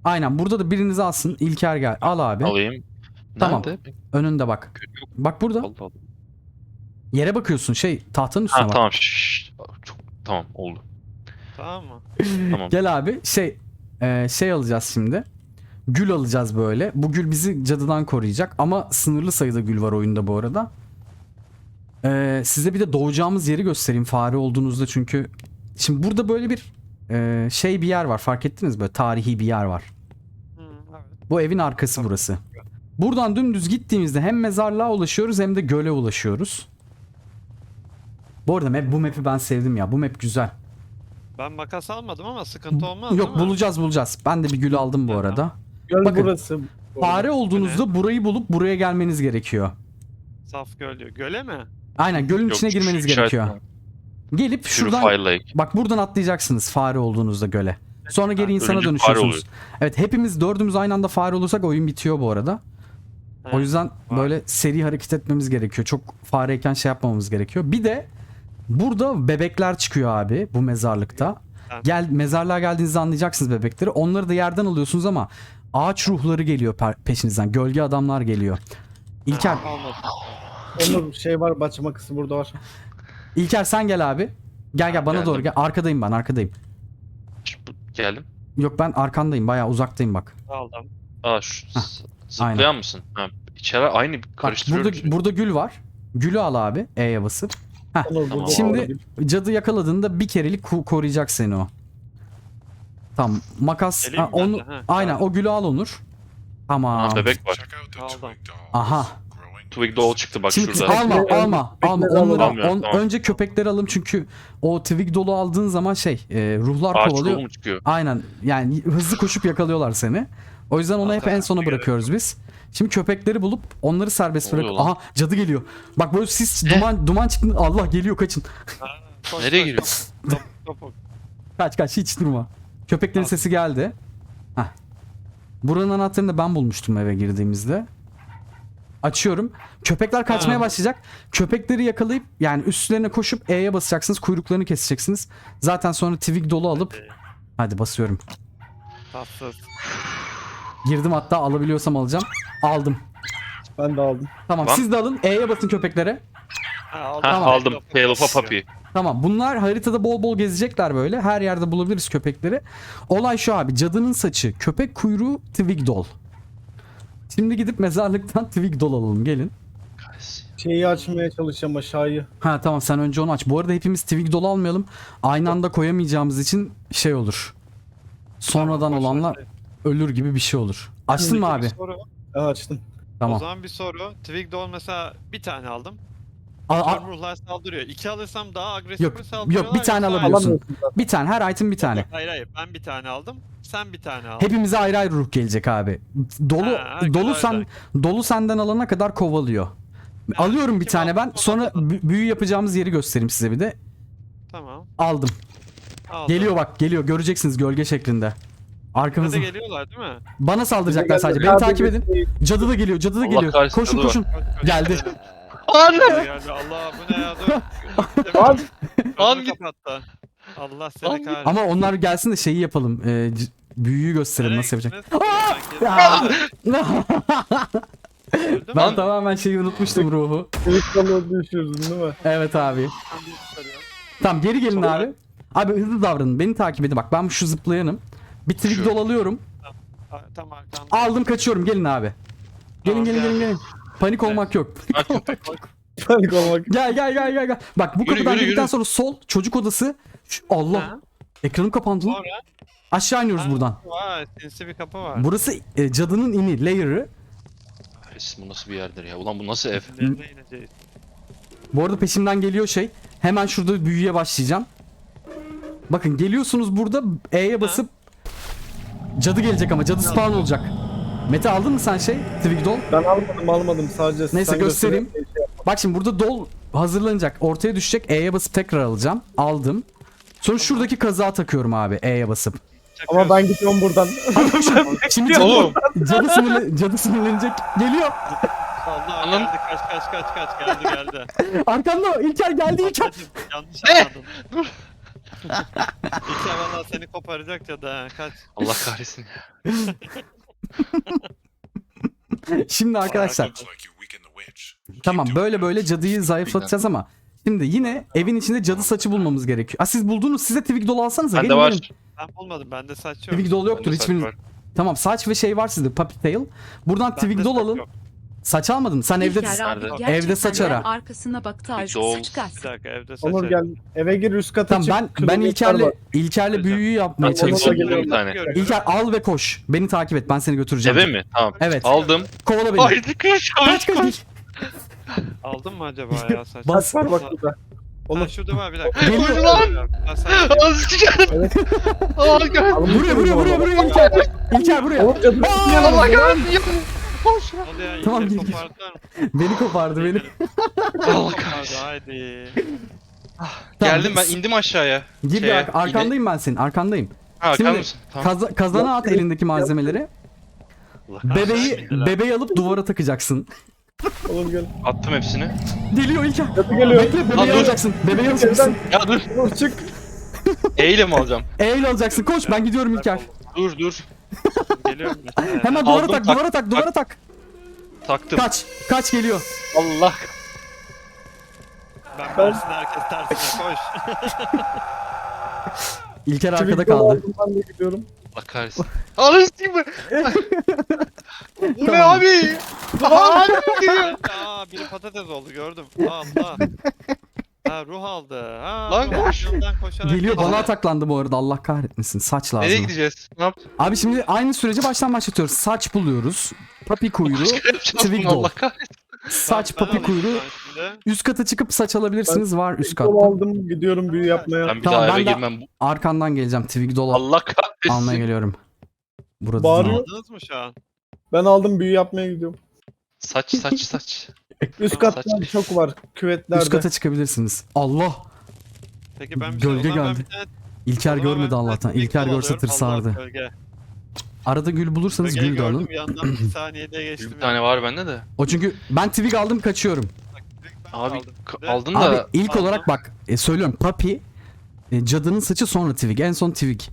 [SPEAKER 1] Aynen burada da birinizi alsın. İlker gel. Al abi.
[SPEAKER 4] Alayım.
[SPEAKER 1] Tamam.
[SPEAKER 4] Nerede?
[SPEAKER 1] Önünde bak.
[SPEAKER 4] Yok.
[SPEAKER 1] Bak burada.
[SPEAKER 4] Allah Allah.
[SPEAKER 1] Yere bakıyorsun şey tahtanın üstüne
[SPEAKER 4] Ha
[SPEAKER 1] bak.
[SPEAKER 4] tamam. Şşş. Çok tamam oldu.
[SPEAKER 2] Tamam mı?
[SPEAKER 4] Tamam.
[SPEAKER 1] Gel abi şey e, şey alacağız şimdi. Gül alacağız böyle. Bu gül bizi cadıdan koruyacak ama sınırlı sayıda gül var oyunda bu arada. E, size bir de doğacağımız yeri göstereyim fare olduğunuzda çünkü şimdi burada böyle bir e, şey bir yer var fark ettiniz böyle tarihi bir yer var.
[SPEAKER 2] Hı, evet.
[SPEAKER 1] Bu evin arkası burası. Buradan dümdüz gittiğimizde hem mezarlığa ulaşıyoruz hem de göle ulaşıyoruz. Bu arada map, bu map'i ben sevdim ya. Bu map güzel.
[SPEAKER 2] Ben makas almadım ama sıkıntı olmaz
[SPEAKER 1] Yok
[SPEAKER 2] değil mi?
[SPEAKER 1] bulacağız bulacağız. Ben de bir gül aldım bu arada.
[SPEAKER 3] Göl
[SPEAKER 1] Bakın,
[SPEAKER 3] burası.
[SPEAKER 1] Fare olduğunuzda burayı bulup buraya gelmeniz gerekiyor.
[SPEAKER 2] Saf göl diyor. Göle mi?
[SPEAKER 1] Aynen gölün
[SPEAKER 4] Yok,
[SPEAKER 1] içine
[SPEAKER 4] şu
[SPEAKER 1] girmeniz
[SPEAKER 4] işaret
[SPEAKER 1] gerekiyor.
[SPEAKER 4] var.
[SPEAKER 1] Gelip şuradan
[SPEAKER 4] Purify Lake.
[SPEAKER 1] bak buradan atlayacaksınız fare olduğunuzda göle. Sonra geri
[SPEAKER 2] Ha,
[SPEAKER 1] insana
[SPEAKER 4] ölünce fare
[SPEAKER 1] dönüşüyorsunuz.
[SPEAKER 4] oluyor.
[SPEAKER 1] Evet hepimiz dördümüz aynı anda fare olursak oyun bitiyor bu arada.
[SPEAKER 2] Ha,
[SPEAKER 1] O yüzden
[SPEAKER 2] var.
[SPEAKER 1] böyle seri hareket etmemiz gerekiyor. Çok fareyken şey yapmamamız gerekiyor. Bir de burada bebekler çıkıyor abi bu mezarlıkta.
[SPEAKER 2] Ben-
[SPEAKER 1] Gel mezarlığa geldiğinizde anlayacaksınız bebekleri. Onları da yerden alıyorsunuz ama ağaç ruhları geliyor per- peşinizden. Gölge adamlar geliyor. İlker,
[SPEAKER 2] Ha, almadım.
[SPEAKER 3] Onun şey var, bahçe kısmı burada var.
[SPEAKER 1] İlker sen gel abi. Gel gel bana
[SPEAKER 4] Geldim.
[SPEAKER 1] doğru gel. Arkadayım ben, arkadayım.
[SPEAKER 4] Şş, bu- Geldim.
[SPEAKER 1] Yok ben arkandayım. Bayağı uzaktayım bak.
[SPEAKER 2] Aldım.
[SPEAKER 4] Aa şu
[SPEAKER 1] Hah,
[SPEAKER 4] z- zıplayan
[SPEAKER 1] aynen.
[SPEAKER 4] mısın? Ha, içeri aynı
[SPEAKER 1] Bak
[SPEAKER 4] karıştırıyorum.
[SPEAKER 1] burada
[SPEAKER 4] sürekli.
[SPEAKER 1] burada gül var. Gülü al abi E'ye basıp.
[SPEAKER 3] Onu
[SPEAKER 4] Tamam.
[SPEAKER 3] burada
[SPEAKER 1] Şimdi
[SPEAKER 3] aldım.
[SPEAKER 1] cadı yakaladığında bir kerelik ku- koruyacak seni o. Tamam makas
[SPEAKER 2] Geleyim
[SPEAKER 1] ha,
[SPEAKER 2] mi ben
[SPEAKER 1] onu
[SPEAKER 2] de? Ha,
[SPEAKER 1] aynen
[SPEAKER 2] tamam.
[SPEAKER 1] o gülü al Onur. Tamam.
[SPEAKER 4] Ha, bebek var.
[SPEAKER 2] Aldım.
[SPEAKER 1] Aha.
[SPEAKER 4] Twig Doll çıktı bak
[SPEAKER 1] Şimdi
[SPEAKER 4] şurada.
[SPEAKER 1] alma
[SPEAKER 3] Bekle,
[SPEAKER 1] alma
[SPEAKER 3] bekle,
[SPEAKER 1] alma
[SPEAKER 3] bekle,
[SPEAKER 1] onları
[SPEAKER 4] alamıyorum,
[SPEAKER 1] on-
[SPEAKER 4] tamam.
[SPEAKER 1] önce köpekleri alın çünkü o twig dolu aldığın zaman şey e, ruhlar
[SPEAKER 4] Ağaç
[SPEAKER 1] kovalıyor.
[SPEAKER 4] ruhu mu çıkıyor?
[SPEAKER 1] Aynen yani hızlı koşup yakalıyorlar seni. O yüzden onu hep en sona bırakıyoruz biz. Şimdi köpekleri bulup onları serbest
[SPEAKER 4] Ne
[SPEAKER 1] bırak.
[SPEAKER 4] oluyor lan?
[SPEAKER 1] Aha cadı geliyor. Bak böyle sis duman duman çıktı. Allah geliyor kaçın.
[SPEAKER 2] Ha, koş,
[SPEAKER 4] Nereye
[SPEAKER 2] koş,
[SPEAKER 4] giriyor?
[SPEAKER 2] Top, topuk.
[SPEAKER 1] Kaç kaç hiç durma. Köpeklerin
[SPEAKER 2] Al.
[SPEAKER 1] sesi geldi. Heh. Buranın anahtarını da ben bulmuştum eve girdiğimizde. Açıyorum. Köpekler kaçmaya
[SPEAKER 2] Ha.
[SPEAKER 1] başlayacak. Köpekleri yakalayıp yani üstlerine koşup E'ye basacaksınız. Kuyruklarını keseceksiniz. Zaten sonra twig dolu alıp
[SPEAKER 2] Hadi.
[SPEAKER 1] hadi basıyorum.
[SPEAKER 2] Tatsız.
[SPEAKER 1] Girdim hatta alabiliyorsam alacağım. Aldım.
[SPEAKER 3] Ben de aldım.
[SPEAKER 1] Tamam
[SPEAKER 4] Lan.
[SPEAKER 1] siz de alın. E'ye basın köpeklere.
[SPEAKER 2] Ha, aldım.
[SPEAKER 4] Ha,
[SPEAKER 1] Tamam.
[SPEAKER 4] aldım. Tail of a Puppy.
[SPEAKER 1] Tamam bunlar haritada bol bol gezecekler böyle. Her yerde bulabiliriz köpekleri. Olay şu abi. Cadının saçı, köpek kuyruğu, twig doll. Şimdi gidip mezarlıktan twig doll alalım gelin.
[SPEAKER 3] Şeyi açmaya çalışacağım aşağıyı.
[SPEAKER 1] Ha tamam sen önce onu aç. Bu arada hepimiz twig doll almayalım. Aynı anda koyamayacağımız için şey olur. Sonradan
[SPEAKER 2] Tamam, boş ver.
[SPEAKER 1] olanlar ölür gibi bir şey olur. Açtın mı abi?
[SPEAKER 2] Bir soru.
[SPEAKER 3] Ben açtım.
[SPEAKER 2] O
[SPEAKER 1] Tamam.
[SPEAKER 2] zaman bir soru. Twig Doll mesela bir tane aldım.
[SPEAKER 1] A- a-
[SPEAKER 2] Tüm ruhlar saldırıyor. İki alırsam daha agresif
[SPEAKER 1] Yok,
[SPEAKER 2] mi
[SPEAKER 1] yok,
[SPEAKER 2] saldırıyorlar?
[SPEAKER 1] bir tane
[SPEAKER 2] yoksa-
[SPEAKER 1] alabiliyorsun.
[SPEAKER 3] Alamıyorsun zaten.
[SPEAKER 1] bir tane her item bir tane.
[SPEAKER 2] Hayır hayır ben bir tane aldım. Sen bir tane aldın.
[SPEAKER 1] Hepimize ayrı ayrı ruh gelecek abi. Dolu
[SPEAKER 2] Ha,
[SPEAKER 1] dolu
[SPEAKER 2] güzel,
[SPEAKER 1] sen dolu senden alana kadar kovalıyor. Alıyorum bir
[SPEAKER 2] kim
[SPEAKER 1] tane
[SPEAKER 2] aldı?
[SPEAKER 1] ben. Sonra bü- büyü yapacağımız yeri göstereyim size bir de.
[SPEAKER 2] Tamam.
[SPEAKER 1] Aldım.
[SPEAKER 2] Aldım.
[SPEAKER 1] Geliyor bak, geliyor. Göreceksiniz gölge şeklinde.
[SPEAKER 2] Bize
[SPEAKER 1] Arkamızda.
[SPEAKER 2] de geliyorlar değil mi?
[SPEAKER 1] Bana saldıracaklar
[SPEAKER 3] Bize
[SPEAKER 1] sadece.
[SPEAKER 3] geldi.
[SPEAKER 1] Beni
[SPEAKER 3] Abi
[SPEAKER 1] takip
[SPEAKER 3] biz-
[SPEAKER 1] edin. Cadı da geliyor. Cadı da
[SPEAKER 4] Allah
[SPEAKER 1] geliyor.
[SPEAKER 4] kahretsin,
[SPEAKER 1] Koşun
[SPEAKER 4] cadı var.
[SPEAKER 1] koşun.
[SPEAKER 2] Koş, koş,
[SPEAKER 1] Geldi.
[SPEAKER 2] geldi.
[SPEAKER 4] Anne!
[SPEAKER 2] Geldi. Allah bu ne ya? Dur.
[SPEAKER 3] Lan!
[SPEAKER 4] Lan
[SPEAKER 2] Önümü
[SPEAKER 4] git.
[SPEAKER 2] kapattı. Allah
[SPEAKER 4] Lan
[SPEAKER 2] seni
[SPEAKER 4] git.
[SPEAKER 2] kahretsin.
[SPEAKER 1] Ama onlar gelsin de şeyi yapalım. Ee, c- büyüyü gösterelim
[SPEAKER 2] Nereye
[SPEAKER 1] nasıl yapacak.
[SPEAKER 2] gittiniz?
[SPEAKER 1] Aa!
[SPEAKER 2] Öldü mü?
[SPEAKER 1] Ben
[SPEAKER 4] Lan-
[SPEAKER 1] tamamen şeyi unutmuştum ruhu.
[SPEAKER 3] Twig Doll'u düşürdün değil mi?
[SPEAKER 1] Evet abi.
[SPEAKER 2] Ben bir çıkarıyorum.
[SPEAKER 1] Tamam geri gelin
[SPEAKER 2] Sonra-
[SPEAKER 1] abi. Abi hızlı davranın. Beni takip edin. Bak ben şu zıplayanım. Bir twig
[SPEAKER 4] Şu.
[SPEAKER 1] doll alıyorum.
[SPEAKER 2] Ha, Tam arkanda.
[SPEAKER 1] Aldım kaçıyorum. Gelin abi. Gelin
[SPEAKER 2] Tamam,
[SPEAKER 1] gelin
[SPEAKER 2] gel.
[SPEAKER 1] gelin gelin. Panik olmak yok.
[SPEAKER 4] Ha, köpek.
[SPEAKER 3] Panik olmak.
[SPEAKER 1] Gel gel gel gel gel. Bak bu
[SPEAKER 4] Yürü,
[SPEAKER 1] kapıdan
[SPEAKER 4] yürü,
[SPEAKER 1] girdikten
[SPEAKER 4] yürü.
[SPEAKER 1] sonra sol çocuk odası. Şu- Allah.
[SPEAKER 2] Ha,
[SPEAKER 1] Ekranım kapandı lan.
[SPEAKER 2] Sonra
[SPEAKER 1] Aşağı iniyoruz
[SPEAKER 2] Ha,
[SPEAKER 1] buradan.
[SPEAKER 2] Vay sinsi bir kapı var.
[SPEAKER 1] Burası e, cadının ini, layer'ı.
[SPEAKER 4] Kahretsin, bu nasıl bir yerdir ya? Ulan bu nasıl ev?
[SPEAKER 2] Nereye ineceğiz?
[SPEAKER 1] Bu arada peşimden geliyor şey. Hemen şurada büyüye başlayacağım. Bakın geliyorsunuz burada E'ye basıp cadı gelecek ama cadı spawn olacak. Mete aldın mı sen şey? Twig doll.
[SPEAKER 3] Ben almadım almadım sadece.
[SPEAKER 1] Neyse,
[SPEAKER 3] sen
[SPEAKER 1] göstereyim.
[SPEAKER 3] göster- şey yap.
[SPEAKER 1] Bak şimdi burada doll hazırlanacak. Ortaya düşecek. E'ye basıp tekrar alacağım. Aldım. Sonra şuradaki kazığa takıyorum abi E'ye basıp.
[SPEAKER 3] Ama ben gidiyorum buradan.
[SPEAKER 1] Şimdi cadı,
[SPEAKER 4] Oğlum.
[SPEAKER 1] cadı, sinirle- cadı sinirlenecek. Geliyor.
[SPEAKER 2] Allah
[SPEAKER 4] Anam.
[SPEAKER 2] geldi kaç kaç kaç kaç geldi geldi.
[SPEAKER 1] Arkanda İlker geldi İlker.
[SPEAKER 2] Ablacım, yanlış anladın. İlker valla seni koparacak ya da kaç.
[SPEAKER 4] Allah kahretsin.
[SPEAKER 1] Şimdi arkadaşlar tamam böyle böyle cadıyı zayıflatacağız ama şimdi yine evin içinde cadı saçı bulmamız gerekiyor. Ha siz buldunuz, size Twig dolu alsanıza.
[SPEAKER 4] Bende
[SPEAKER 1] Gelin,
[SPEAKER 4] var.
[SPEAKER 1] gelin.
[SPEAKER 2] Ben bulmadım bende saç yok.
[SPEAKER 1] Twig dolu yoktur
[SPEAKER 4] Bende saç
[SPEAKER 1] hiçbiriniz.
[SPEAKER 4] var.
[SPEAKER 1] Tamam saç ve şey var sizde, puppy tail. Buradan
[SPEAKER 2] Bende
[SPEAKER 1] Twig dolu
[SPEAKER 2] saç
[SPEAKER 1] alın.
[SPEAKER 2] yok.
[SPEAKER 1] Saç almadın. Sen evde
[SPEAKER 5] İlker abi
[SPEAKER 4] Nerede?
[SPEAKER 5] gerçekten
[SPEAKER 1] Evde saç
[SPEAKER 5] de
[SPEAKER 1] ara.
[SPEAKER 5] arkasına baktı aşk
[SPEAKER 4] Doğal.
[SPEAKER 5] saç kas.
[SPEAKER 2] Bir dakika evde saç
[SPEAKER 3] Onur
[SPEAKER 2] yok.
[SPEAKER 3] gel eve gir üst kata
[SPEAKER 1] tamam
[SPEAKER 3] çık.
[SPEAKER 1] ben ben
[SPEAKER 3] kilometre
[SPEAKER 1] İlker'le
[SPEAKER 3] var.
[SPEAKER 1] İlker'le büyüyü yapmaya
[SPEAKER 3] Ben Onur'la
[SPEAKER 1] çalışıyorum.
[SPEAKER 3] geliyorum.
[SPEAKER 4] Bir tane.
[SPEAKER 1] İlker al ve koş. Beni takip et. Ben seni götüreceğim.
[SPEAKER 4] Eve mi? Tamam.
[SPEAKER 1] Evet.
[SPEAKER 4] Aldım.
[SPEAKER 1] Kovala beni.
[SPEAKER 4] Haydi koş
[SPEAKER 1] Kaç
[SPEAKER 4] koş
[SPEAKER 1] kaç.
[SPEAKER 4] koş.
[SPEAKER 2] Aldın mı acaba ya saç?
[SPEAKER 1] Bas.
[SPEAKER 3] Saç var bak burada.
[SPEAKER 2] Ha
[SPEAKER 3] Onur
[SPEAKER 2] şurada var bir dakika.
[SPEAKER 1] Geliyor
[SPEAKER 4] lan!
[SPEAKER 2] Ha, saç yok.
[SPEAKER 4] Az çıkarım. Harika.
[SPEAKER 3] Alın
[SPEAKER 1] Buraya buraya buraya buraya İlker. İlker buraya.
[SPEAKER 3] Onur cadı
[SPEAKER 4] Allah kahretsin. Koş.
[SPEAKER 2] Ne oluyor ya?
[SPEAKER 1] Tamam,
[SPEAKER 2] İlker
[SPEAKER 1] gel, gel.
[SPEAKER 2] kopardılar mı?
[SPEAKER 1] Beni kopardı beni.
[SPEAKER 4] Allah
[SPEAKER 2] Kopardı
[SPEAKER 4] kahretsin.
[SPEAKER 2] haydi.
[SPEAKER 4] Geldim ben indim aşağıya.
[SPEAKER 1] Gir bir
[SPEAKER 4] Şeye,
[SPEAKER 1] ar- arkandayım ben senin. Arkandayım.
[SPEAKER 4] Ha
[SPEAKER 1] Şimdi
[SPEAKER 4] kalır mısın? Tamam.
[SPEAKER 1] Kaza- kazana at elindeki malzemeleri.
[SPEAKER 4] Allah
[SPEAKER 1] Bebeği
[SPEAKER 2] Bismillah.
[SPEAKER 1] bebeği alıp duvara takacaksın.
[SPEAKER 3] Onur gel.
[SPEAKER 4] Attım hepsini.
[SPEAKER 1] Geliyor İlker.
[SPEAKER 3] Cadı geliyor.
[SPEAKER 1] Bekle
[SPEAKER 4] Lan
[SPEAKER 1] bebeği
[SPEAKER 4] dur.
[SPEAKER 1] alacaksın. Bebeği alacaksın.
[SPEAKER 4] Ya dur.
[SPEAKER 3] Onur çık.
[SPEAKER 4] Eyle mi alacağım?
[SPEAKER 1] Eyle alacaksın. Koş ben gidiyorum İlker.
[SPEAKER 4] Dur dur.
[SPEAKER 2] Geliyorum.
[SPEAKER 1] Hemen duvara
[SPEAKER 4] Aldım,
[SPEAKER 1] tak,
[SPEAKER 4] tak-
[SPEAKER 1] duvara tak, duvara tak.
[SPEAKER 4] Taktım.
[SPEAKER 1] Kaç. Kaç geliyor.
[SPEAKER 4] Allah.
[SPEAKER 2] Ben tersine herkes tersine koş.
[SPEAKER 1] İlker arkada
[SPEAKER 3] Twig
[SPEAKER 1] kaldı.
[SPEAKER 3] aldım, Ben de gidiyorum.
[SPEAKER 4] Allah kahretsin. Alırsın mı? Bu ne
[SPEAKER 1] Tamam.
[SPEAKER 4] abi? Abi gidiyor.
[SPEAKER 2] Aa biri patates oldu gördüm. Allah. Ha ruh aldı. Ha,
[SPEAKER 4] Lan
[SPEAKER 2] ruh
[SPEAKER 4] koş.
[SPEAKER 2] yanından koşarak
[SPEAKER 1] Geliyor
[SPEAKER 2] gidiyor.
[SPEAKER 1] bana ataklandı bu arada, Allah kahretmesin. Saç
[SPEAKER 4] Nereye
[SPEAKER 1] lazım.
[SPEAKER 4] gideceğiz? Ne yaptın?
[SPEAKER 1] Abi şimdi aynı süreci baştan başlatıyoruz. Saç buluyoruz. Papi kuyruğu,
[SPEAKER 4] Başka yapacağız
[SPEAKER 1] Twig
[SPEAKER 4] bunu,
[SPEAKER 1] doll.
[SPEAKER 4] Allah kahretsin.
[SPEAKER 1] Saç
[SPEAKER 2] Ben
[SPEAKER 1] papi
[SPEAKER 2] alayım
[SPEAKER 1] kuyruğu.
[SPEAKER 2] ben şimdi.
[SPEAKER 1] Üst kata çıkıp saç alabilirsiniz. Var üst
[SPEAKER 3] Yol
[SPEAKER 1] katta.
[SPEAKER 3] aldım gidiyorum büyü yapmaya.
[SPEAKER 4] Ben bir
[SPEAKER 1] Tamam,
[SPEAKER 4] daha eve
[SPEAKER 1] ben de-
[SPEAKER 4] girmem.
[SPEAKER 1] Arkandan geleceğim. Twig doll
[SPEAKER 4] Allah kahretsin.
[SPEAKER 1] almaya geliyorum. Burada
[SPEAKER 3] Bağırıyor.
[SPEAKER 1] değil.
[SPEAKER 2] Aldınız mı şu an?
[SPEAKER 3] Ben aldım büyü yapmaya gidiyorum.
[SPEAKER 4] Saç saç saç.
[SPEAKER 3] Üst
[SPEAKER 2] Tamam,
[SPEAKER 3] katta
[SPEAKER 4] saç.
[SPEAKER 3] çok var küvetlerde.
[SPEAKER 1] Üst kata çıkabilirsiniz. Allah.
[SPEAKER 2] Peki ben bir şey
[SPEAKER 1] Gölge
[SPEAKER 2] o zaman ben
[SPEAKER 1] geldi.
[SPEAKER 2] bir tane-
[SPEAKER 1] İlker
[SPEAKER 2] o zaman ben
[SPEAKER 1] görmedi
[SPEAKER 2] bir tane
[SPEAKER 1] Allah'tan.
[SPEAKER 2] Twig
[SPEAKER 1] İlker
[SPEAKER 2] doll
[SPEAKER 1] görse
[SPEAKER 2] alıyorum. Allah
[SPEAKER 1] tırsardı.
[SPEAKER 2] gölge.
[SPEAKER 1] Arada gül bulursanız
[SPEAKER 2] Gölgeyi
[SPEAKER 1] gül de alın.
[SPEAKER 2] gördüm yandan bir saniyede geçtim.
[SPEAKER 4] Bir tane var bende de.
[SPEAKER 1] O çünkü ben Twig aldım kaçıyorum.
[SPEAKER 4] Abi
[SPEAKER 2] Aldım.
[SPEAKER 4] k-
[SPEAKER 2] Ve-
[SPEAKER 4] aldın
[SPEAKER 1] Abi
[SPEAKER 4] da
[SPEAKER 1] ilk
[SPEAKER 2] aldım.
[SPEAKER 1] olarak bak e, söylüyorum Papi e, cadının saçı sonra Twig. En son Twig.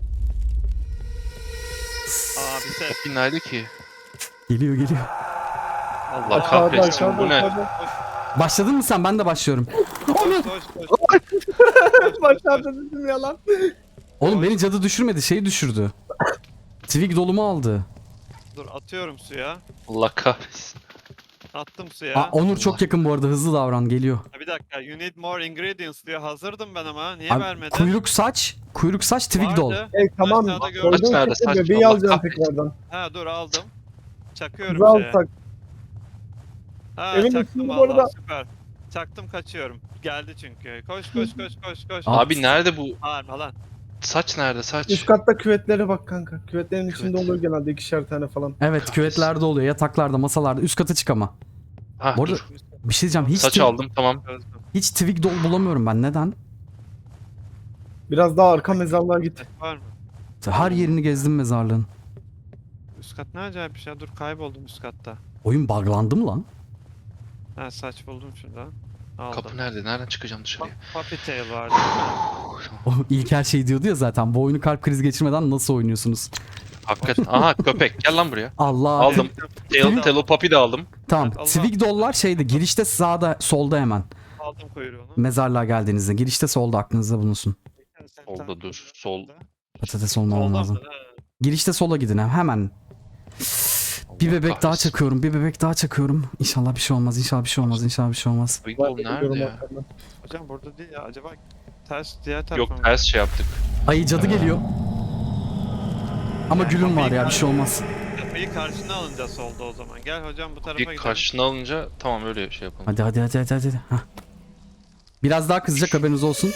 [SPEAKER 2] Aa bir ses.
[SPEAKER 4] Papi nerede ki?
[SPEAKER 1] Geliyor geliyor.
[SPEAKER 4] Allah
[SPEAKER 3] Aşağıda
[SPEAKER 4] kahretsin
[SPEAKER 3] aşağıda
[SPEAKER 4] bu ne?
[SPEAKER 3] aşağıda.
[SPEAKER 1] Başladın mı sen? Ben de başlıyorum.
[SPEAKER 2] Koş koş koş.
[SPEAKER 3] Başlarda dedim yalan.
[SPEAKER 1] Oğlum beni cadı düşürmedi, şeyi düşürdü. Twig dolumu aldı.
[SPEAKER 2] Dur atıyorum suya.
[SPEAKER 4] Allah kahretsin.
[SPEAKER 2] Attım suya.
[SPEAKER 1] Aa, Onur çok yakın bu arada, hızlı davran, geliyor.
[SPEAKER 2] Ha, bir dakika. You need more ingredients diyor. Hazırdım ben ama. Niye
[SPEAKER 1] Abi,
[SPEAKER 2] vermedin?
[SPEAKER 1] kuyruk saç, kuyruk saç Twig dol.
[SPEAKER 2] Vardı.
[SPEAKER 3] Hey tamam
[SPEAKER 2] Aşağıda gördüm.
[SPEAKER 3] koyduğun
[SPEAKER 4] Saç nerede?
[SPEAKER 3] şekilde
[SPEAKER 4] Saç
[SPEAKER 3] bebeği
[SPEAKER 4] Allah
[SPEAKER 3] alacağım
[SPEAKER 4] kahretsin.
[SPEAKER 3] tekrardan.
[SPEAKER 2] Ha dur aldım. Çakıyorum
[SPEAKER 3] Kızı
[SPEAKER 2] şeye.
[SPEAKER 3] alsak.
[SPEAKER 2] Ha
[SPEAKER 3] Evin
[SPEAKER 2] çaktım
[SPEAKER 3] içinde bu
[SPEAKER 2] valla
[SPEAKER 3] arada-
[SPEAKER 2] süper. Çaktım kaçıyorum. Geldi çünkü. Koş koş koş koş koş.
[SPEAKER 1] Aa,
[SPEAKER 4] Abi nerede bu?
[SPEAKER 2] Bağırma lan.
[SPEAKER 4] Saç nerede saç?
[SPEAKER 3] Üst katta küvetlere bak kanka. Küvetlerin içinde
[SPEAKER 4] Küvet.
[SPEAKER 3] olur genelde ikişer tane falan.
[SPEAKER 1] Evet, küvetlerde oluyor, yataklarda, masalarda. Üst kata çık ama.
[SPEAKER 4] Ha,
[SPEAKER 1] Bu arada
[SPEAKER 4] dur.
[SPEAKER 1] bir şey diyeceğim. Hiç,
[SPEAKER 4] Saç
[SPEAKER 1] twi-
[SPEAKER 4] aldım tamam.
[SPEAKER 2] Çözdüm.
[SPEAKER 1] hiç Twig dol bulamıyorum ben. Neden?
[SPEAKER 3] Biraz daha arka mezarlığa git.
[SPEAKER 2] Var mı?
[SPEAKER 1] Her yerini gezdim mezarlığın.
[SPEAKER 2] Üst kat ne acayip bir şey. Dur kayboldum üst katta.
[SPEAKER 1] Oyun buglandı mı lan?
[SPEAKER 2] Ha saç buldum şurada. Aldım.
[SPEAKER 4] Kapı nerede? Nereden çıkacağım dışarıya?
[SPEAKER 2] Puppy tail vardı.
[SPEAKER 1] O İlker şey diyordu ya zaten. Bu oyunu kalp krizi geçirmeden nasıl oynuyorsunuz?
[SPEAKER 4] Hakikaten. Aha köpek. Gel lan buraya.
[SPEAKER 1] Allah.
[SPEAKER 4] Aldım. Tail, Telo Papi de aldım.
[SPEAKER 1] Tamam.
[SPEAKER 2] Allah.
[SPEAKER 1] Twig dollar şeyde, girişte sağda, solda hemen.
[SPEAKER 2] Aldım kuyruğunu.
[SPEAKER 1] Mezarlığa geldiğinizde. Girişte solda, aklınızda bulunsun.
[SPEAKER 4] Solda dur. Sol.
[SPEAKER 1] Patates olmamam
[SPEAKER 2] Solda
[SPEAKER 1] lazım.
[SPEAKER 2] mı? Ha.
[SPEAKER 1] Girişte sola gidin ha, hemen. Bir bebek daha
[SPEAKER 4] kahretsin.
[SPEAKER 1] çakıyorum, bir bebek daha çakıyorum. İnşallah bir şey olmaz, inşallah bir şey olmaz, inşallah bir şey olmaz.
[SPEAKER 4] Big
[SPEAKER 3] Ben
[SPEAKER 4] Ball
[SPEAKER 3] de
[SPEAKER 4] nerede
[SPEAKER 3] gidiyorum
[SPEAKER 4] ya?
[SPEAKER 3] arkadan.
[SPEAKER 2] Hocam burada değil ya. Acaba ters diğer tarafa
[SPEAKER 4] Yok
[SPEAKER 2] mı?
[SPEAKER 4] ters şey yaptık.
[SPEAKER 1] Ay cadı geliyor. Ama gülüm var ya, bir şey olmaz.
[SPEAKER 2] Kapıyı karşına alınca solda o zaman. Gel hocam bu tarafa
[SPEAKER 4] Bir
[SPEAKER 2] gidelim.
[SPEAKER 4] karşına alınca tamam öyle şey yapalım.
[SPEAKER 1] Hadi hadi hadi hadi hadi. Hah. Biraz daha kızacak, haberiniz olsun.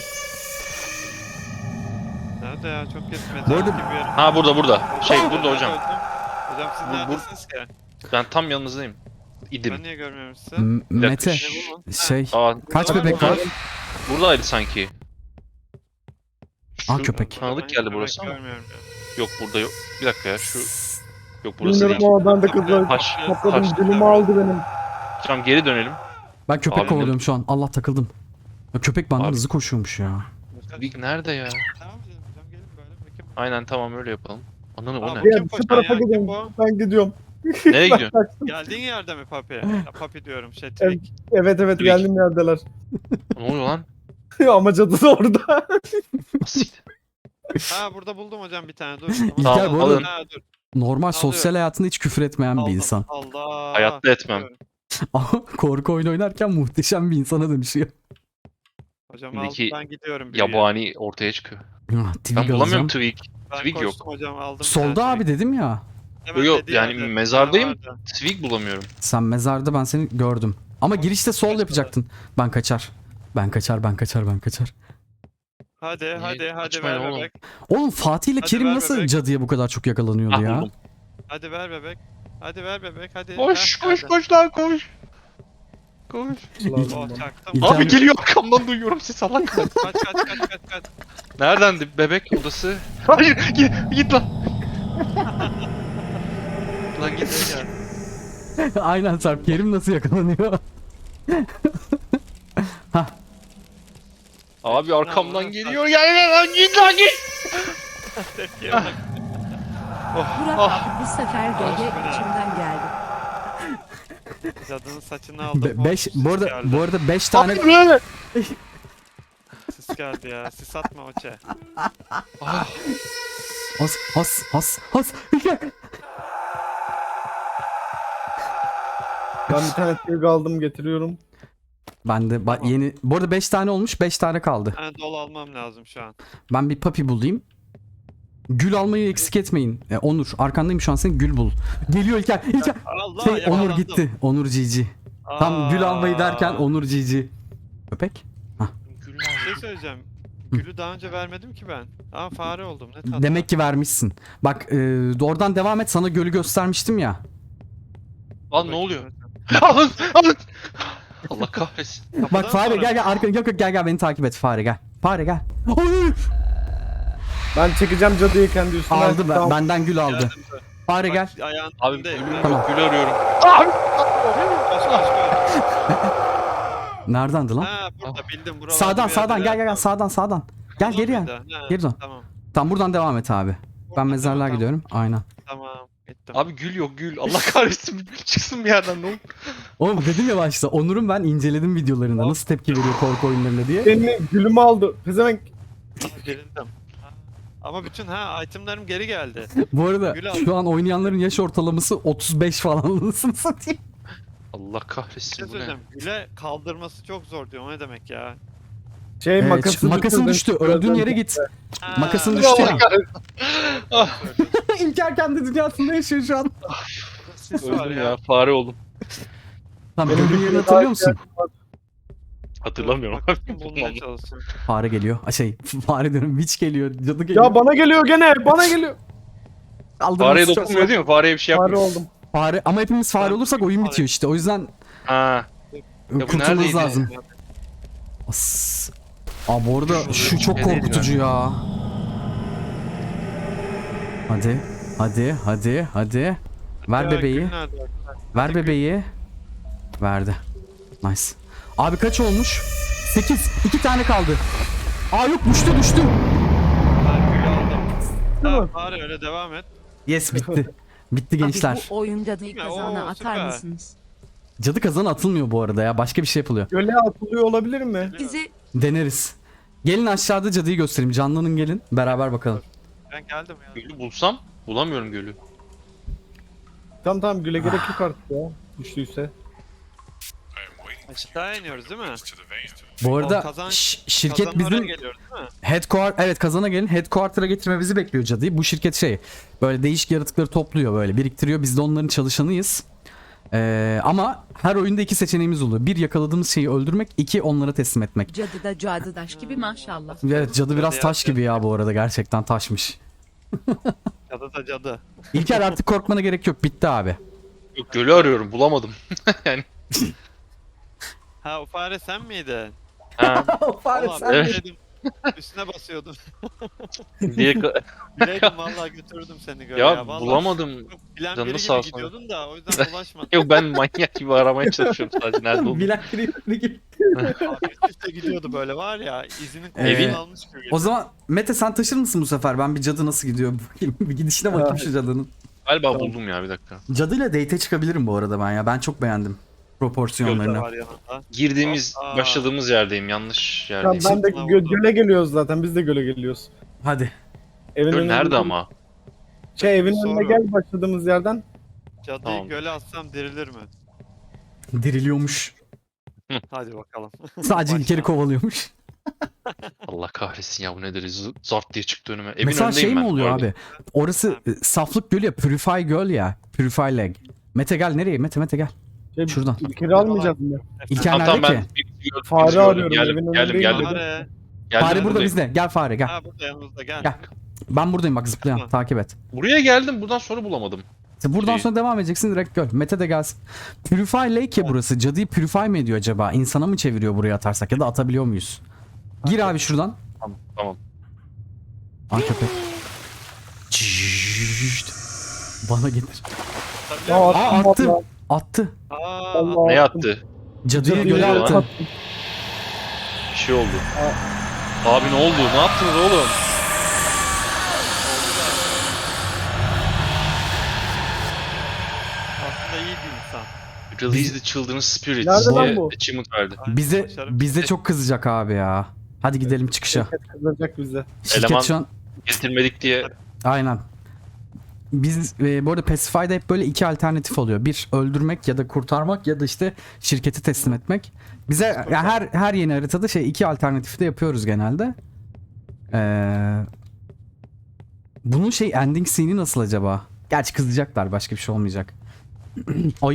[SPEAKER 2] Nerede ya? Çok geç.
[SPEAKER 1] Bu
[SPEAKER 2] Mezar
[SPEAKER 1] arada-
[SPEAKER 2] gibi bir yer.
[SPEAKER 4] Ha burada burada. Şey burada hocam.
[SPEAKER 2] Hocam siz
[SPEAKER 4] Bu- bu-
[SPEAKER 2] neredesiniz ki?
[SPEAKER 4] Ben tam yanınızdayım. İdim.
[SPEAKER 2] Ben niye görmüyorum sizi?
[SPEAKER 1] M- Mete,
[SPEAKER 2] Ne bu mu?
[SPEAKER 1] şey,
[SPEAKER 4] Aa,
[SPEAKER 1] kaç
[SPEAKER 2] Burada
[SPEAKER 1] bebek
[SPEAKER 2] var
[SPEAKER 1] var?
[SPEAKER 2] mı?
[SPEAKER 4] buradaydı sanki.
[SPEAKER 1] Aa,
[SPEAKER 4] Şu
[SPEAKER 1] köpek.
[SPEAKER 4] Tanıdık
[SPEAKER 2] Ben
[SPEAKER 4] geldi
[SPEAKER 2] köpek
[SPEAKER 4] burası ama.
[SPEAKER 2] görmüyorum ya.
[SPEAKER 4] Yok burada yok. Bir dakika ya şu. Yok burası
[SPEAKER 3] Bilmiyorum
[SPEAKER 4] değil.
[SPEAKER 3] o adam da kızlar.
[SPEAKER 4] Taş.
[SPEAKER 3] Topladım
[SPEAKER 4] taş.
[SPEAKER 3] dilimi aldı benim.
[SPEAKER 4] Tamam geri dönelim.
[SPEAKER 1] Ben köpek
[SPEAKER 4] Abi,
[SPEAKER 1] kovalıyorum şu an. Allah takıldım. Ya köpek benden
[SPEAKER 4] Abi.
[SPEAKER 1] hızlı koşuyormuş ya.
[SPEAKER 4] Twig nerede ya?
[SPEAKER 2] Devam edelim hocam, gelin böyle bakayım.
[SPEAKER 4] Aynen tamam öyle yapalım. Ananı o
[SPEAKER 2] Aa,
[SPEAKER 4] ne?
[SPEAKER 2] bu-
[SPEAKER 3] Ya
[SPEAKER 2] Kim
[SPEAKER 3] şu
[SPEAKER 2] koşan
[SPEAKER 3] tarafa
[SPEAKER 2] ya? Kim
[SPEAKER 3] gidiyorum.
[SPEAKER 2] bu?
[SPEAKER 3] Ben gidiyorum.
[SPEAKER 4] Nereye gidiyorsun?
[SPEAKER 2] Geldiğin yerde mi Papi? Ya, Papi diyorum şey Twig.
[SPEAKER 3] Evet evet
[SPEAKER 4] Twig.
[SPEAKER 3] geldim yerdeler.
[SPEAKER 4] Ne oluyor lan?
[SPEAKER 3] Ama cadı da orada.
[SPEAKER 4] Nasıl?
[SPEAKER 2] Ha burada buldum hocam bir tane dur.
[SPEAKER 1] İlker
[SPEAKER 4] Tamam,
[SPEAKER 1] bu
[SPEAKER 4] alın.
[SPEAKER 1] arada
[SPEAKER 2] Ha dur.
[SPEAKER 1] normal sosyal hayatında hiç küfür etmeyen bir
[SPEAKER 2] Aldım.
[SPEAKER 1] insan.
[SPEAKER 2] Allah.
[SPEAKER 4] Hayatta etmem.
[SPEAKER 1] Ama korku oyunu oynarken muhteşem bir insana dönüşüyor.
[SPEAKER 2] Hocam
[SPEAKER 4] Şimdiki
[SPEAKER 2] aldım ben gidiyorum. büyüye.
[SPEAKER 4] Yabani ortaya çıkıyor.
[SPEAKER 1] Ah, Twig
[SPEAKER 4] Ben bulamıyorum
[SPEAKER 1] alacağım.
[SPEAKER 4] Twig.
[SPEAKER 2] Ben
[SPEAKER 4] Twig yok.
[SPEAKER 2] koştum hocam aldım. bir
[SPEAKER 1] Solda
[SPEAKER 2] tane
[SPEAKER 1] abi
[SPEAKER 2] Twig.
[SPEAKER 1] dedim ya.
[SPEAKER 2] Hemen
[SPEAKER 4] Yok,
[SPEAKER 2] dediği
[SPEAKER 4] yani
[SPEAKER 2] yerde.
[SPEAKER 4] mezardayım.
[SPEAKER 2] Ha, vardı.
[SPEAKER 4] Twig bulamıyorum.
[SPEAKER 1] Sen mezarda, ben seni gördüm. Ama girişte sol
[SPEAKER 2] kaçmadı.
[SPEAKER 1] yapacaktın. Ben kaçar. Ben kaçar, ben kaçar, ben kaçar.
[SPEAKER 2] Hadi hadi hadi
[SPEAKER 4] kaçmayın
[SPEAKER 2] ver
[SPEAKER 4] oğlum?
[SPEAKER 2] bebek.
[SPEAKER 1] Oğlum Fatih ile
[SPEAKER 2] Hadi
[SPEAKER 1] Kerim
[SPEAKER 2] ver
[SPEAKER 1] nasıl
[SPEAKER 2] bebek.
[SPEAKER 1] cadıya bu kadar çok yakalanıyordu
[SPEAKER 4] Ah
[SPEAKER 1] ya?
[SPEAKER 4] buldum.
[SPEAKER 2] Hadi ver bebek. Hadi ver bebek hadi.
[SPEAKER 4] Koş
[SPEAKER 2] Heh,
[SPEAKER 4] koş
[SPEAKER 2] geldi.
[SPEAKER 4] koş lan koş. Koş.
[SPEAKER 2] Oh çaktım.
[SPEAKER 1] İlker-
[SPEAKER 4] Abi geliyor arkamdan duyuyorum ses Allah kahretsin.
[SPEAKER 2] Kaç kaç kaç kaç kaç.
[SPEAKER 4] Neredendi bebek odası? Hayır git, git lan. Lan git.
[SPEAKER 2] Ya.
[SPEAKER 1] Aynen Sarp. Kerim nasıl yakalanıyor?
[SPEAKER 4] Abi arkamdan
[SPEAKER 2] Ne
[SPEAKER 4] geliyor. Gel gel lan git lan git.
[SPEAKER 2] Tepkiye bak.
[SPEAKER 5] Burak
[SPEAKER 4] Ah.
[SPEAKER 5] abi bu sefer G G
[SPEAKER 2] Ah.
[SPEAKER 5] içimden geldi.
[SPEAKER 2] Cadının saçını aldım.
[SPEAKER 1] Be-
[SPEAKER 2] Oh,
[SPEAKER 1] beş,
[SPEAKER 2] sis
[SPEAKER 1] bu arada
[SPEAKER 2] geldi.
[SPEAKER 1] bu arada beş tane
[SPEAKER 4] Abi böyle.
[SPEAKER 2] Sis geldi ya. Sis atma Oçe.
[SPEAKER 4] Ah,
[SPEAKER 1] has has has has. İlker.
[SPEAKER 3] Ben bir tane Twig aldım getiriyorum.
[SPEAKER 1] Ben de ba-
[SPEAKER 2] Tamam.
[SPEAKER 1] yeni bu arada beş tane olmuş, beş tane kaldı.
[SPEAKER 2] Ben dolu almam lazım şu an.
[SPEAKER 1] Ben bir papi bulayım. Gül almayı eksik etmeyin. E, Onur arkandayım şu an, sen gül bul. Geliyor İlker. İlker.
[SPEAKER 2] Allah
[SPEAKER 1] Şey, Onur
[SPEAKER 2] yakalandım.
[SPEAKER 1] gitti. Onur Cici. Tam gül almayı derken
[SPEAKER 2] Aa,
[SPEAKER 1] Onur Cici. Köpek.
[SPEAKER 2] Bir şey söyleyeceğim. Gülü daha önce vermedim ki ben. Aa fare oldum. Ne tatlı.
[SPEAKER 1] Demek ki vermişsin. Bak e, oradan devam et, sana gölü göstermiştim ya.
[SPEAKER 4] Lan ne oluyor? Alın alın. Allah kahretsin.
[SPEAKER 1] Bak fare gel gel arkana, yok yok gel gel beni takip et fare gel. Fare gel. Oy!
[SPEAKER 3] Ben çekeceğim cadıyı kendi üstüne.
[SPEAKER 1] Aldı ben,
[SPEAKER 3] Tamam.
[SPEAKER 1] benden gül aldı.
[SPEAKER 2] Geldim.
[SPEAKER 1] Fare
[SPEAKER 2] Bak,
[SPEAKER 1] gel.
[SPEAKER 2] Ayağın
[SPEAKER 4] Abi
[SPEAKER 2] önünde.
[SPEAKER 4] gül,
[SPEAKER 1] Tamam.
[SPEAKER 4] gül arıyorum.
[SPEAKER 2] Koş koş koş.
[SPEAKER 1] Neredendi lan?
[SPEAKER 2] Ha burada bildim. Buralarda
[SPEAKER 1] Sağdan
[SPEAKER 2] bir
[SPEAKER 1] sağdan
[SPEAKER 2] yerde
[SPEAKER 1] gel
[SPEAKER 2] ya.
[SPEAKER 1] gel gel sağdan sağdan. Gel
[SPEAKER 2] Buradan
[SPEAKER 1] geri gel.
[SPEAKER 2] mıydı? Ha,
[SPEAKER 1] Geri dön.
[SPEAKER 2] Tamam.
[SPEAKER 1] Tam buradan devam et abi. Ben
[SPEAKER 2] Buradan
[SPEAKER 1] mezarlığa
[SPEAKER 2] devam,
[SPEAKER 1] gidiyorum. Aynen.
[SPEAKER 2] Tamam. Gittim.
[SPEAKER 4] Abi gül yok gül. Allah kahretsin. Çıksın bir yerden ne olur.
[SPEAKER 1] Oğlum dedim ya başta, Onur'un ben inceledim videolarında nasıl tepki veriyor korku oyunlarına diye.
[SPEAKER 3] Beni gülümü aldı. Pezevenk.
[SPEAKER 2] Gerildim. Ama bütün ha itemlerim geri geldi.
[SPEAKER 1] Bu arada
[SPEAKER 2] Gül aldı.
[SPEAKER 1] şu an oynayanların yaş ortalaması otuz beş falan, anasını satayım.
[SPEAKER 4] Allah
[SPEAKER 2] Bir şey
[SPEAKER 4] kahretsin bu ne?
[SPEAKER 2] söyleyeceğim. Güle kaldırması çok zor diyor. O ne demek ya?
[SPEAKER 3] Şey
[SPEAKER 1] Ee,
[SPEAKER 3] makası
[SPEAKER 1] makasın düştü. Öldüğün yere git. Makasın düştü ya.
[SPEAKER 4] Ah,
[SPEAKER 1] İlker kendi dünyasında yaşıyor şu an.
[SPEAKER 2] Sis var
[SPEAKER 4] öldüm
[SPEAKER 2] ya.
[SPEAKER 4] ya. Fare oldum.
[SPEAKER 1] Tamam,
[SPEAKER 3] Benim
[SPEAKER 1] öldüğün
[SPEAKER 3] bir
[SPEAKER 1] yerini
[SPEAKER 3] daha
[SPEAKER 1] hatırlıyor musun?
[SPEAKER 4] Hatırlamıyorum abi.
[SPEAKER 2] Makasını bulmaya çalışıyorum.
[SPEAKER 1] Fare geliyor. Ay şey, fare diyorum. Witch geliyor. Cadı geliyor.
[SPEAKER 3] Ya bana geliyor gene. Bana geliyor.
[SPEAKER 1] Kaldırması
[SPEAKER 4] Fareye
[SPEAKER 1] çok
[SPEAKER 4] dokunmuyor
[SPEAKER 1] zor.
[SPEAKER 4] değil mi? Fareye bir şey
[SPEAKER 3] Fare
[SPEAKER 4] yapmıyor.
[SPEAKER 3] oldum.
[SPEAKER 1] Fare ama hepimiz fare
[SPEAKER 2] Ben-
[SPEAKER 1] olursak oyun bitiyor işte. O yüzden
[SPEAKER 4] Ha. bu
[SPEAKER 1] kurtulmamız
[SPEAKER 4] neredeydi?
[SPEAKER 1] lazım. As. Aa bu arada şu çok
[SPEAKER 4] Neredeydi
[SPEAKER 1] korkutucu ya. Hadi. Hadi. Hadi. Hadi. Ver
[SPEAKER 2] Ya,
[SPEAKER 1] bebeği.
[SPEAKER 2] gül nerede?
[SPEAKER 1] Ver bebeği. Verdi. Nice. Abi kaç olmuş? sekiz. iki tane kaldı. Aa yok, düştü düştü.
[SPEAKER 2] Ben gülü aldım.
[SPEAKER 3] Değil mi?
[SPEAKER 2] Tamam bari öyle devam et.
[SPEAKER 1] Yes bitti. Bitti gençler.
[SPEAKER 5] Abi bu oyunda da
[SPEAKER 2] Oo,
[SPEAKER 5] kazana atar
[SPEAKER 2] süper.
[SPEAKER 5] mısınız?
[SPEAKER 1] Cadı kazanı atılmıyor bu arada ya. Başka bir şey yapılıyor.
[SPEAKER 3] Göle atılıyor olabilir mi?
[SPEAKER 5] Bizi
[SPEAKER 1] Deneriz. Gelin aşağıda cadıyı göstereyim. Canlanın gelin. Beraber bakalım.
[SPEAKER 2] Ben geldim ya.
[SPEAKER 4] Gölü bulsam bulamıyorum gölü.
[SPEAKER 3] Tamam tamam güle gerek yok artık ya. Düştüyse.
[SPEAKER 2] Aşağı iniyoruz değil mi?
[SPEAKER 1] Bu arada
[SPEAKER 2] O kazan-
[SPEAKER 1] ş- şirket
[SPEAKER 2] Kazanın oraya
[SPEAKER 1] bizim
[SPEAKER 2] geliyoruz değil mi?
[SPEAKER 1] headquarter, evet kazana gelin. Headquarter'a getirmemizi bekliyor cadıyı. Bu şirket şey böyle değişik yaratıkları topluyor, böyle biriktiriyor. Biz de onların çalışanıyız. Ee, ama her oyunda iki seçeneğimiz oluyor. Bir, yakaladığımız şeyi öldürmek. İki, onlara teslim etmek.
[SPEAKER 5] cadı da cadıdaş gibi maşallah.
[SPEAKER 1] Evet, cadı biraz
[SPEAKER 2] Cadı
[SPEAKER 1] taş
[SPEAKER 2] ya.
[SPEAKER 1] gibi ya bu arada. Gerçekten taşmış.
[SPEAKER 2] Cadı da cadı.
[SPEAKER 1] İlker artık korkmana gerek yok. Bitti abi.
[SPEAKER 4] Yok gölü arıyorum bulamadım.
[SPEAKER 2] Ha o fare sen miydin?
[SPEAKER 4] Ha.
[SPEAKER 2] Valla ben
[SPEAKER 4] Evet.
[SPEAKER 2] dedim. Üstüne basıyordum.
[SPEAKER 4] Diye ka-
[SPEAKER 2] Bileydim vallahi götürdüm seni göre
[SPEAKER 4] ya,
[SPEAKER 2] ya. Vallahi
[SPEAKER 4] bulamadım.
[SPEAKER 2] çok bilen
[SPEAKER 4] Canını
[SPEAKER 2] biri
[SPEAKER 4] sağ
[SPEAKER 2] gibi
[SPEAKER 4] olsun.
[SPEAKER 2] gidiyordun da o yüzden bulaşmadım.
[SPEAKER 4] Yok ben manyak gibi aramaya çalışıyorum sadece nerede olduğunu.
[SPEAKER 1] Bilek biri gibi.
[SPEAKER 2] Üst üste gidiyordu böyle var ya izinin
[SPEAKER 1] Evin-
[SPEAKER 2] kokusunu almış gibi.
[SPEAKER 1] O zaman Mete sen taşır mısın bu sefer? Ben bir cadı nasıl gidiyor bakayım. Bir gidişine bakayım şu cadının.
[SPEAKER 4] Galiba buldum ya bir dakika.
[SPEAKER 1] Cadıyla date'e çıkabilirim bu arada ben ya. Ben çok beğendim
[SPEAKER 2] Gölge
[SPEAKER 1] proporsiyonlarını.
[SPEAKER 2] var yanında.
[SPEAKER 4] Girdiğimiz,
[SPEAKER 2] Aa.
[SPEAKER 4] başladığımız yerdeyim. Yanlış
[SPEAKER 3] Ya
[SPEAKER 4] yerdeyim.
[SPEAKER 3] ben de
[SPEAKER 2] Sırtına
[SPEAKER 3] gö-
[SPEAKER 2] vurdu.
[SPEAKER 3] göle geliyoruz zaten. Biz de göle geliyoruz.
[SPEAKER 1] Hadi.
[SPEAKER 3] Evin
[SPEAKER 4] Göl
[SPEAKER 3] önüne-
[SPEAKER 4] nerede ama?
[SPEAKER 3] Şey evin
[SPEAKER 2] Soru.
[SPEAKER 3] önüne gel başladığımız yerden.
[SPEAKER 2] Cadıyı
[SPEAKER 4] Tamam.
[SPEAKER 2] göle atsam dirilir mi?
[SPEAKER 1] Diriliyormuş.
[SPEAKER 2] Hadi bakalım.
[SPEAKER 1] Sadece
[SPEAKER 2] Başla.
[SPEAKER 1] İlker'i kovalıyormuş.
[SPEAKER 4] Allah kahretsin ya bu nedir? Z- Zart diye çıktı önüme. Evin
[SPEAKER 1] Mesela
[SPEAKER 4] önündeyim
[SPEAKER 1] şey mi
[SPEAKER 4] ben,
[SPEAKER 1] oluyor
[SPEAKER 4] gördüm.
[SPEAKER 1] abi? Orası e, saflık gölü ya. Purify göl ya. Purify leg. Mete gel nereye? Mete Mete gel.
[SPEAKER 3] Şey,
[SPEAKER 1] Şuradan.
[SPEAKER 3] İlker'i almayacağız mı?
[SPEAKER 1] İlker
[SPEAKER 4] Tamam tamam
[SPEAKER 1] nerede
[SPEAKER 4] ben
[SPEAKER 1] ki?
[SPEAKER 4] bir- bir gördüm,
[SPEAKER 3] Fare
[SPEAKER 4] bir gördüm.
[SPEAKER 3] arıyorum,
[SPEAKER 4] Geldim,
[SPEAKER 3] evin
[SPEAKER 4] geldim,
[SPEAKER 3] önündeyim
[SPEAKER 4] geldim,
[SPEAKER 3] dedim.
[SPEAKER 2] Fare.
[SPEAKER 4] geldim,
[SPEAKER 1] Fare burada
[SPEAKER 4] buradayım.
[SPEAKER 1] bizde. Gel fare gel.
[SPEAKER 2] Ha burada yanımızda gel.
[SPEAKER 1] Gel. Ben buradayım bak zıplayan.
[SPEAKER 2] Tamam.
[SPEAKER 1] Takip et.
[SPEAKER 4] Buraya geldim, buradan sonra bulamadım.
[SPEAKER 1] İşte buradan
[SPEAKER 4] Şey-
[SPEAKER 1] sonra devam edeceksin direkt göl. Mete de gelsin. Purify Lake ya burası. Cadıyı purify mi ediyor acaba? İnsana mı çeviriyor buraya atarsak ya da atabiliyor muyuz? Gir abi şuradan.
[SPEAKER 4] Tamam, tamam.
[SPEAKER 1] Ay köpek. Cişt. Bana getir.
[SPEAKER 2] Atabiliyor
[SPEAKER 3] Aa,
[SPEAKER 2] musun?
[SPEAKER 1] Aa, attı.
[SPEAKER 3] vallahi.
[SPEAKER 1] Attı.
[SPEAKER 2] Aa,
[SPEAKER 3] Allah.
[SPEAKER 4] Ne attı?
[SPEAKER 1] Cadıyı
[SPEAKER 3] Cadıyı
[SPEAKER 1] göle
[SPEAKER 4] göle
[SPEAKER 1] attı.
[SPEAKER 3] attı.
[SPEAKER 4] Bir şey oldu. Abi ne oldu? Ne yaptınız oğlum?
[SPEAKER 2] aslında iyi bir insan.
[SPEAKER 4] Release the Children's Spirit
[SPEAKER 3] Nerede
[SPEAKER 4] diye
[SPEAKER 3] lan bu?
[SPEAKER 4] achievement verdi.
[SPEAKER 2] Ay,
[SPEAKER 1] Bize
[SPEAKER 2] başarım.
[SPEAKER 1] bize çok kızacak abi ya. Hadi gidelim çıkışa.
[SPEAKER 3] Şirket kızacak bize.
[SPEAKER 1] Şirket
[SPEAKER 4] Eleman-
[SPEAKER 1] şu an
[SPEAKER 4] Getirmedik diye
[SPEAKER 1] aynen. Biz e, bu arada Pacify'da hep böyle iki alternatif oluyor. Bir öldürmek ya da kurtarmak ya da işte şirketi teslim etmek. Bize ya her her yeni haritada şey iki alternatifi de yapıyoruz genelde. Ee, bunun şey ending scene'i nasıl acaba? Gerçi kızacaklar başka bir şey olmayacak. Ay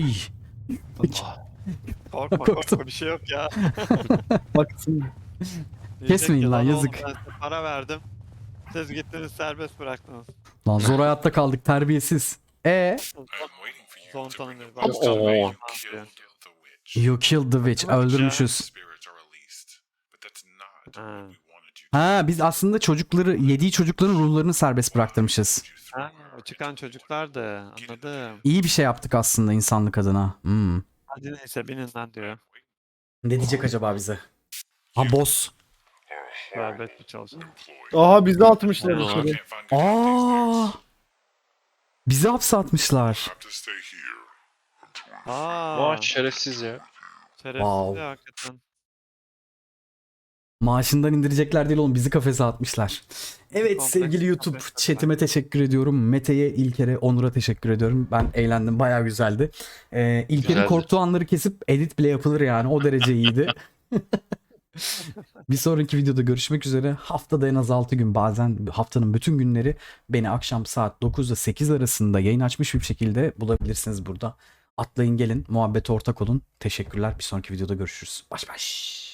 [SPEAKER 2] Korkma
[SPEAKER 1] Korktum.
[SPEAKER 2] korkma bir şey yok ya.
[SPEAKER 3] Baksın.
[SPEAKER 2] Diyecek
[SPEAKER 1] Kesmeyin
[SPEAKER 2] ki,
[SPEAKER 1] lan,
[SPEAKER 2] oğlum
[SPEAKER 1] yazık."
[SPEAKER 2] Ben size para verdim. Siz gittiniz serbest bıraktınız.
[SPEAKER 1] lan zor hayatta kaldık terbiyesiz. E
[SPEAKER 2] Son tanım bir
[SPEAKER 4] Oo.
[SPEAKER 1] you killed the witch öldürmüşüz.
[SPEAKER 2] Ha.
[SPEAKER 1] Ha biz aslında çocukları yediği çocukların ruhlarını serbest bıraktırmışız.
[SPEAKER 2] Ha, o çıkan çocuklar da anladım.
[SPEAKER 1] İyi bir şey yaptık aslında insanlık adına. Hmm.
[SPEAKER 2] Hadi neyse binin lan diyor.
[SPEAKER 1] Ne diyecek acaba bize? Ha boss.
[SPEAKER 2] Serbest bir çalışan.
[SPEAKER 3] Aha bizi atmışlar
[SPEAKER 4] Allah.
[SPEAKER 3] içeri.
[SPEAKER 1] Aa! Bizi hapse atmışlar.
[SPEAKER 2] Aa,
[SPEAKER 4] Vay şerefsiz ya.
[SPEAKER 2] şerefsiz
[SPEAKER 1] Wow.
[SPEAKER 2] ya hakikaten.
[SPEAKER 1] Maaşından indirecekler değil oğlum bizi kafese atmışlar. Evet
[SPEAKER 2] Kompleks
[SPEAKER 1] sevgili YouTube
[SPEAKER 2] kafes
[SPEAKER 1] chatime teşekkür ediyorum. Mete'ye, İlker'e, Onur'a teşekkür ediyorum. Ben eğlendim bayağı güzeldi. Ee, İlker'in
[SPEAKER 4] Güzeldi.
[SPEAKER 1] korktuğu anları kesip edit bile yapılır yani o derece iyiydi. Bir sonraki videoda görüşmek üzere. Haftada en az altı gün bazen haftanın bütün günleri beni akşam saat dokuzda sekiz arasında yayın açmış bir şekilde bulabilirsiniz burada. Atlayın gelin muhabbete ortak olun. Teşekkürler bir sonraki videoda görüşürüz. Baş baş.